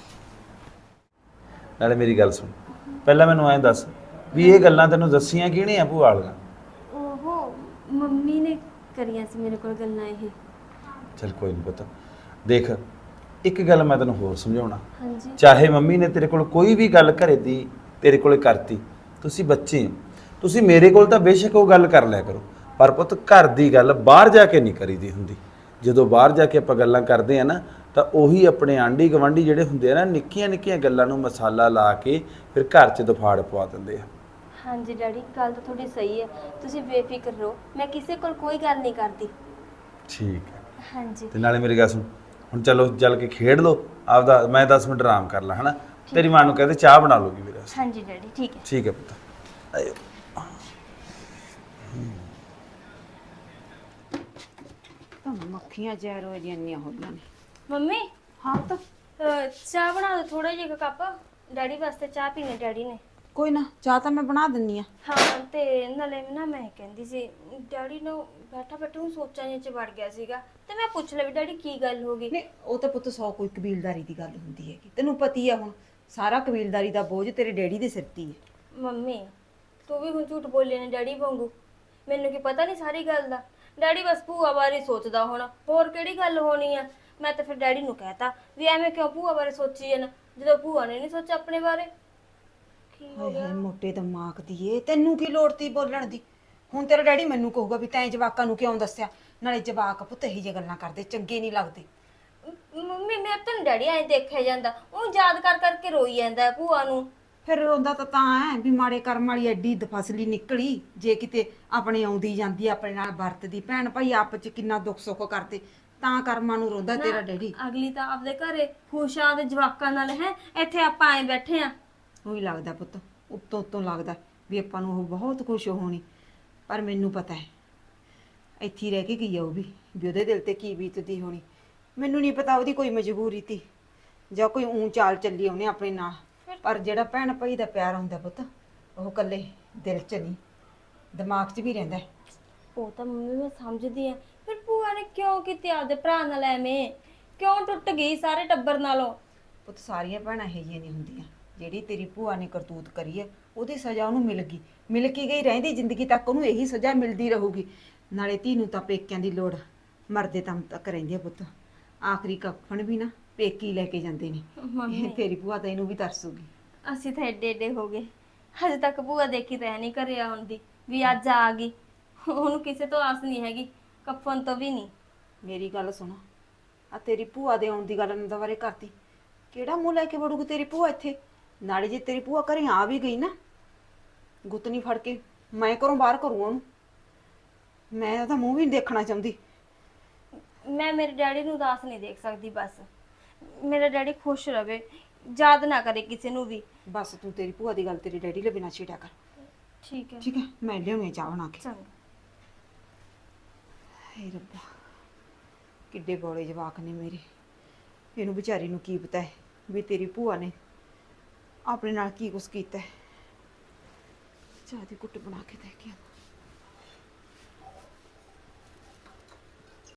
A: ਨਾਲੇ ਮੇਰੀ ਗੱਲ ਸੁਣ, ਪਹਿਲਾਂ ਮੈਨੂੰ ਐਂ ਦੱਸ ਵੀ ਇਹ ਗੱਲਾਂ ਤੈਨੂੰ ਦੱਸੀਆਂ ਕਿਹਨੇ ਆ ਭੂਆ ਵਾਲੀਆਂ?
F: ਓਹੋ, ਮੰਮੀ ਨੇ ਕਰੀਆਂ ਸੀ ਮੇਰੇ ਕੋਲ ਗੱਲਾਂ ਇਹ।
A: ਚਲ ਕੋਈ ਨਹੀਂ ਪਤਾ। ਦੇਖ, ਇੱਕ ਗੱਲ ਮੈਂ ਤੈਨੂੰ ਹੋਰ ਸਮਝਾਉਣਾ,
F: ਹਾਂਜੀ
A: ਚਾਹੇ ਮੰਮੀ ਨੇ ਤੇਰੇ ਕੋਲ ਕੋਈ ਵੀ ਗੱਲ ਘਰੇ ਦੀ ਤੇਰੇ ਕੋਲੇ ਕਰਤੀ, ਤੁਸੀਂ ਬੱਚੇ ਹੋ, ਤੁਸੀਂ ਮੇਰੇ ਕੋਲ ਤਾਂ ਬੇਸ਼ੱਕ ਉਹ ਗੱਲ ਕਰ ਲਿਆ ਕਰੋ, ਪਰ ਪੁੱਤ ਘਰ ਦੀ ਗੱਲ ਬਾਹਰ ਜਾ ਕੇ ਨਹੀਂ ਕਰੀਦੀ ਹੁੰਦੀ। ਜਦੋਂ ਬਾਹਰ ਜਾ ਕੇ ਆਪਾਂ ਗੱਲਾਂ ਕਰਦੇ ਆ ਨਾ, ਤਾਂ ਉਹੀ ਆਪਣੇ ਆਂਢੀ ਗਵਾਂਢੀ ਜਿਹੜੇ ਹੁੰਦੇ ਆ ਨਾ, ਨਿੱਕੀਆਂ ਨਿੱਕੀਆਂ ਗੱਲਾਂ ਨੂੰ ਮਸਾਲਾ ਲਾ ਕੇ ਫਿਰ ਘਰ 'ਚ ਦਫਾੜ ਪਵਾ ਦਿੰਦੇ ਆ।
F: ਹਾਂਜੀ ਡੈਡੀ, ਗੱਲ ਤਾਂ ਤੁਹਾਡੀ ਸਹੀ ਹੈ, ਤੁਸੀਂ ਬੇਫਿਕਰ ਰਹੋ, ਮੈਂ ਕਿਸੇ ਕੋਲ ਕੋਈ ਗੱਲ ਨਹੀਂ ਕਰਦੀ।
A: ਠੀਕ ਹੈ।
F: ਹਾਂਜੀ
A: ਤੇ ਨਾਲੇ ਮੇਰੀ ਗੱਲ ਸੁਣ, ਹੁਣ ਚਲੋ ਚੱਲ ਕੇ ਖੇਡ ਲਓ ਆਪਦਾ, ਮੈਂ ਦਸ ਮਿੰਟ ਆਰਾਮ ਕਰ ਲਾਂ, ਹਨਾ? ਤੇਰੀ ਮਾਂ ਨੂੰ ਕਹਦੇ ਚਾਹ ਬਣਾ ਲੂਗੀ ਮੇਰੇ ਵਾਸਤੇ।
F: ਹਾਂਜੀ ਡੈਡੀ, ਠੀਕ ਹੈ।
A: ਠੀਕ ਹੈ ਪੁੱਤ, ਆਇਓ।
G: ਤਾਂ ਮੱਖੀਆਂ ਜ਼ਹਿਰ ਹੋ ਜਾਂਦੀਆਂ ਹੋਈਆਂ ਨੇ।
F: ਮੰਮੀ
G: ਹਾਂ ਤਾਂ
F: ਅਹ, ਚਾਹ ਬਣਾ ਦਿਓ ਥੋੜਾ ਜਿਹਾ ਕੱਪ, ਡੈਡੀ ਵਾਸਤੇ ਚਾਹ ਪੀਣੀ ਡੈਡੀ ਨੇ।
G: ਕੋਈ ਨਾ, ਚਾਹ ਤਾਂ ਮੈਂ ਬਣਾ ਦਿੰਨੀ ਆ।
F: ਹਾਂ, ਤੇ ਨਾਲੇ ਨਾ ਮੈਂ ਕਹਿੰਦੀ ਸੀ, ਡੈਡੀ ਨੂੰ ਬੈਠਾ ਬੈਠਾ ਨੂੰ ਸੋਚਾਂ ਜਿਹੇ ਚ ਵੜ ਗਿਆ ਸੀਗਾ, ਤੇ ਮੈਂ ਪੁੱਛ ਲਿਆ ਵੀ ਡੈਡੀ ਕੀ ਗੱਲ ਹੋ ਗਈ?
G: ਨਹੀਂ, ਉਹ ਤਾਂ ਪੁੱਤ ਸੌ ਕੋਈ ਕਬੀਲਦਾਰੀ ਦੀ ਗੱਲ ਹੁੰਦੀ ਹੈਗੀ, ਤੈਨੂੰ ਪਤੀ ਆ ਹੁਣ, ਸਾਰਾ ਕਬੀਲਦਾਰੀ ਦਾ ਬੋਝ ਤੇਰੇ ਡੈਡੀ ਦੇ ਸਿਰ ਤੇ ਹੀ ਹੈ।
F: ਮੰਮੀ ਤੂੰ ਵੀ ਹੁਣ ਝੂਠ ਬੋਲੇ ਨੇ ਡੈਡੀ ਵਾਂਗੂ, ਮੈਨੂੰ ਕੀ ਪਤਾ ਨਹੀਂ ਸਾਰੀ ਗੱਲ ਦਾ। ਡੈਡੀ ਬਸ ਭੂਆ ਬਾਰੇ ਸੋਚਦਾ ਹੁਣ, ਹੋਰ ਕਿਹੜੀ ਗੱਲ ਹੋਣੀ ਆ? ਮੈਂ ਤਾਂ ਫਿਰ ਡੈਡੀ ਨੂੰ ਕਹਿਤਾ ਵੀ ਐਵੇਂ ਕਿਉਂ ਭੂਆ ਬਾਰੇ ਸੋਚੀ ਜਾਣਾ, ਜਦੋਂ ਭੂਆ ਨੇ ਨਹੀਂ ਸੋਚਿਆ ਆਪਣੇ ਬਾਰੇ। ਕੀ ਹੋ
G: ਹਾਏ
F: ਗਿਆ?
G: ਹਾਏ ਮੋਟੇ ਦਿਮਾਗ ਦੀ ਏ, ਤੈਨੂੰ ਕੀ ਲੋੜ ਤੀ ਬੋਲਣ ਦੀ? ਹੁਣ ਤੇਰਾ ਡੈਡੀ ਮੈਨੂੰ ਕਹੂਗਾ ਵੀ ਤੈਂ ਜਵਾਕਾਂ ਨੂੰ ਕਿਉਂ ਦੱਸਿਆ? ਨਾਲੇ ਜਵਾਕ ਪੁੱਤ ਇਹੀ ਜਿਹੀ ਗੱਲਾਂ ਕਰਦੇ ਚੰਗੇ ਨਹੀਂ ਲੱਗਦੇ।
F: ਮ- ਮੰਮੀ ਮੈਂ ਤਾਂ ਡੈਡੀ ਐਂ ਦੇਖਿਆ ਜਾਂਦਾ, ਉਹ ਯਾਦ ਕਰ ਕਰਕੇ ਰੋਈ ਜਾਂਦਾ ਹੈ ਭੂਆ ਨੂੰ।
G: ਫਿਰ ਉਹਦਾ ਤਾਂ ਤਾਂ ਹੈ ਵੀ ਮਾੜੇ ਕਰਮ ਵਾਲੀ ਐਡੀ ਦਫਸਲੀ ਨਿਕਲੀ, ਜੇ ਕਿਤੇ ਆਪਣੇ ਆਉਂਦੀ ਜਾਂਦੀ ਆਪਣੇ ਨਾਲ ਵਰਤਦੀ, ਭੈਣ ਭਾਈ ਆਪ ਚ ਕਿੰਨਾ ਦੁੱਖ ਸੁੱਖ ਕਰਦੇ, ਤਾਂ ਕਰਮਾਂ ਨੂੰ ਰੋਂਦਾ ਤੇਰਾ ਡੈਡੀ।
F: ਅਗਲੀ ਤਾਂ ਆਪਦੇ ਘਰੇ ਖੁਸ਼ਾਂ ਦੇ ਜਵਾਕਾਂ ਨਾਲ ਹੈ, ਇੱਥੇ ਆਪਾਂ ਐਂ ਬੈਠੇ ਆ।
G: ਉਹੀ ਲੱਗਦਾ ਪੁੱਤ, ਉੱਤੋਂ ਉੱਤੋਂ ਲੱਗਦਾ ਵੀ ਆਪਾਂ ਨੂੰ ਉਹ ਬਹੁਤ ਖੁਸ਼ ਹੋਣੀ, ਪਰ ਮੈਨੂੰ ਪਤਾ ਹੈ ਇੱਥੇ ਹੀ ਰਹਿ ਕੇ ਗਈ ਆ ਉਹ ਵੀ, ਵੀ ਉਹਦੇ ਦਿਲ ਤੇ ਕੀ ਬੀਤਦੀ ਹੋਣੀ। ਮੈਨੂੰ ਨਹੀਂ ਪਤਾ ਉਹਦੀ ਕੋਈ ਮਜਬੂਰੀ ਤੀ ਜਾਂ ਕੋਈ ਊਂ ਚਾਲ ਚੱਲੀ ਉਹਨੇ ਆਪਣੇ ਨਾਲ, ਪਰ ਜਿਹੜਾ ਭੈਣ ਭਾਈ ਦਾ ਪਿਆਰ ਹੁੰਦਾ ਪੁੱਤ, ਉਹ ਇਕੱਲੇ ਦਿਲ 'ਚ ਨਹੀਂ, ਦਿਮਾਗ 'ਚ ਵੀ ਰਹਿੰਦਾ ਹੈ।
F: ਉਹ ਤਾਂ ਮੰਮੀ ਮੈਂ ਸਮਝਦੀ ਆ, ਫਿਰ ਭੂਆ ਨੇ ਕਿਉਂ ਕੀਤੀ ਆਪਦੇ ਭਰਾ ਨਾਲ ਐਵੇਂ? ਕਿਉਂ ਟੁੱਟ ਗਈ ਸਾਰੇ ਟੱਬਰ ਨਾਲੋਂ?
G: ਪੁੱਤ ਸਾਰੀਆਂ ਭੈਣਾਂ ਇਹੋ ਜਿਹੀਆਂ ਨਹੀਂ ਹੁੰਦੀਆਂ, ਜਿਹੜੀ ਤੇਰੀ ਭੂਆ ਨੇ ਕਰਤੂਤ ਕਰੀ ਹੈ ਉਹਦੀ ਸਜ਼ਾ ਉਹਨੂੰ ਮਿਲ ਗਈ, ਮਿਲ ਕੇ ਗਈ, ਰਹਿੰਦੀ ਜ਼ਿੰਦਗੀ ਤੱਕ ਉਹਨੂੰ ਇਹੀ ਸਜ਼ਾ ਮਿਲਦੀ ਰਹੂਗੀ। ਨਾਲੇ ਧੀ ਨੂੰ ਤਾਂ ਪੇਕਿਆਂ ਦੀ ਲੋੜ ਮਰਦੇ ਦਮ ਤੱਕ ਰਹਿੰਦੀ ਆ ਪੁੱਤ, ਆਖਰੀ ਕਫਨ ਵੀ ਨਾ ਪੇਕੀ ਲੈ ਕੇ ਜਾਂਦੇ ਨੇ।
F: ਮੰਮੀ
G: ਤੇਰੀ ਭੂਆ ਤਾਂ ਇਹਨੂੰ ਵੀ ਤਰਸੂਗੀ।
F: ਅਸੀਂ ਤਾਂ ਏਡੇ ਏਡੇ ਹੋ ਗਏ, ਹਜੇ ਤੱਕ ਭੂਆ ਦੇਖੀ ਤਾਂ ਨਹੀਂ ਘਰੇ ਆਉਣ ਦੀ, ਵੀ ਅੱਜ ਆ ਗਈ। ਉਹਨੂੰ ਕਿਸੇ ਤੋਂ ਆਸ ਨਹੀਂ ਹੈਗੀ, ਕਫਨ ਤੋਂ ਵੀ ਨਹੀਂ।
G: ਮੇਰੀ ਗੱਲ ਸੁਣ, ਆ ਤੇਰੀ ਭੂਆ ਦੇ ਆਉਣ ਦੀ ਗੱਲ ਨੂੰ ਦੁਬਾਰੇ ਕਰਤੀ, ਕਿਹੜਾ ਮੂੰਹ ਲੈ ਕੇ ਵੜੂਗੀ ਤੇਰੀ ਭੂਆ ਇੱਥੇ? ਨਾਲੇ ਜੇ ਤੇਰੀ ਭੂਆ ਘਰੇ ਆ ਵੀ ਗਈ ਨਾ, ਗੁੱਤਨੀ ਫੜ ਕੇ ਮੈਂ ਘਰੋਂ ਬਾਹਰ ਕਰੂ ਉਹਨੂੰ, ਮੈਂ ਉਹਦਾ ਮੂੰਹ ਵੀ ਨਹੀਂ ਦੇਖਣਾ ਚਾਹੁੰਦੀ।
F: ਮੈਂ ਮੇਰੇ ਡੈਡੀ ਨੂੰ ਉਦਾਸ ਨਹੀਂ ਦੇਖ ਸਕਦੀ, ਬਸ ਮੇਰਾ ਡੈਡੀ ਖੁਸ਼ ਰਵੇ, ਯਾਦ ਨਾ ਕਰੇ ਕਿਸੇ ਨੂੰ ਵੀ।
G: ਬਸ ਤੂੰ ਤੇਰੀ ਭੂਆ ਦੀ ਗੱਲ ਤੇਰੀ ਡੈਡੀ ਲਈ ਬਿਨਾਂ ਛੇੜਿਆ ਕਰ,
F: ਠੀਕ ਹੈ
G: ਠੀਕ ਹੈ? ਮੈਂ ਲਿਆਉਣੀ ਚਾਹ ਬਣਾ ਕੇ।
F: ਚੰਗਾ।
G: ਹੇ ਰੱਬਾ, ਕਿੱਡੇ ਬੋਲੇ ਜਵਾਕ ਨੇ ਮੇਰੇ, ਇਹਨੂੰ ਵਿਚਾਰੀ ਨੂੰ ਕੀ ਪਤਾ ਹੈ ਵੀ ਤੇਰੀ ਭੂਆ ਨੇ ਆਪਣੇ ਨਾਲ ਕੀ ਕੁਛ ਕੀਤਾ ਹੈ। ਚਾਹ ਦੀ ਕੁੱਟ ਬਣਾ ਕੇ ਦੇ ਕੇ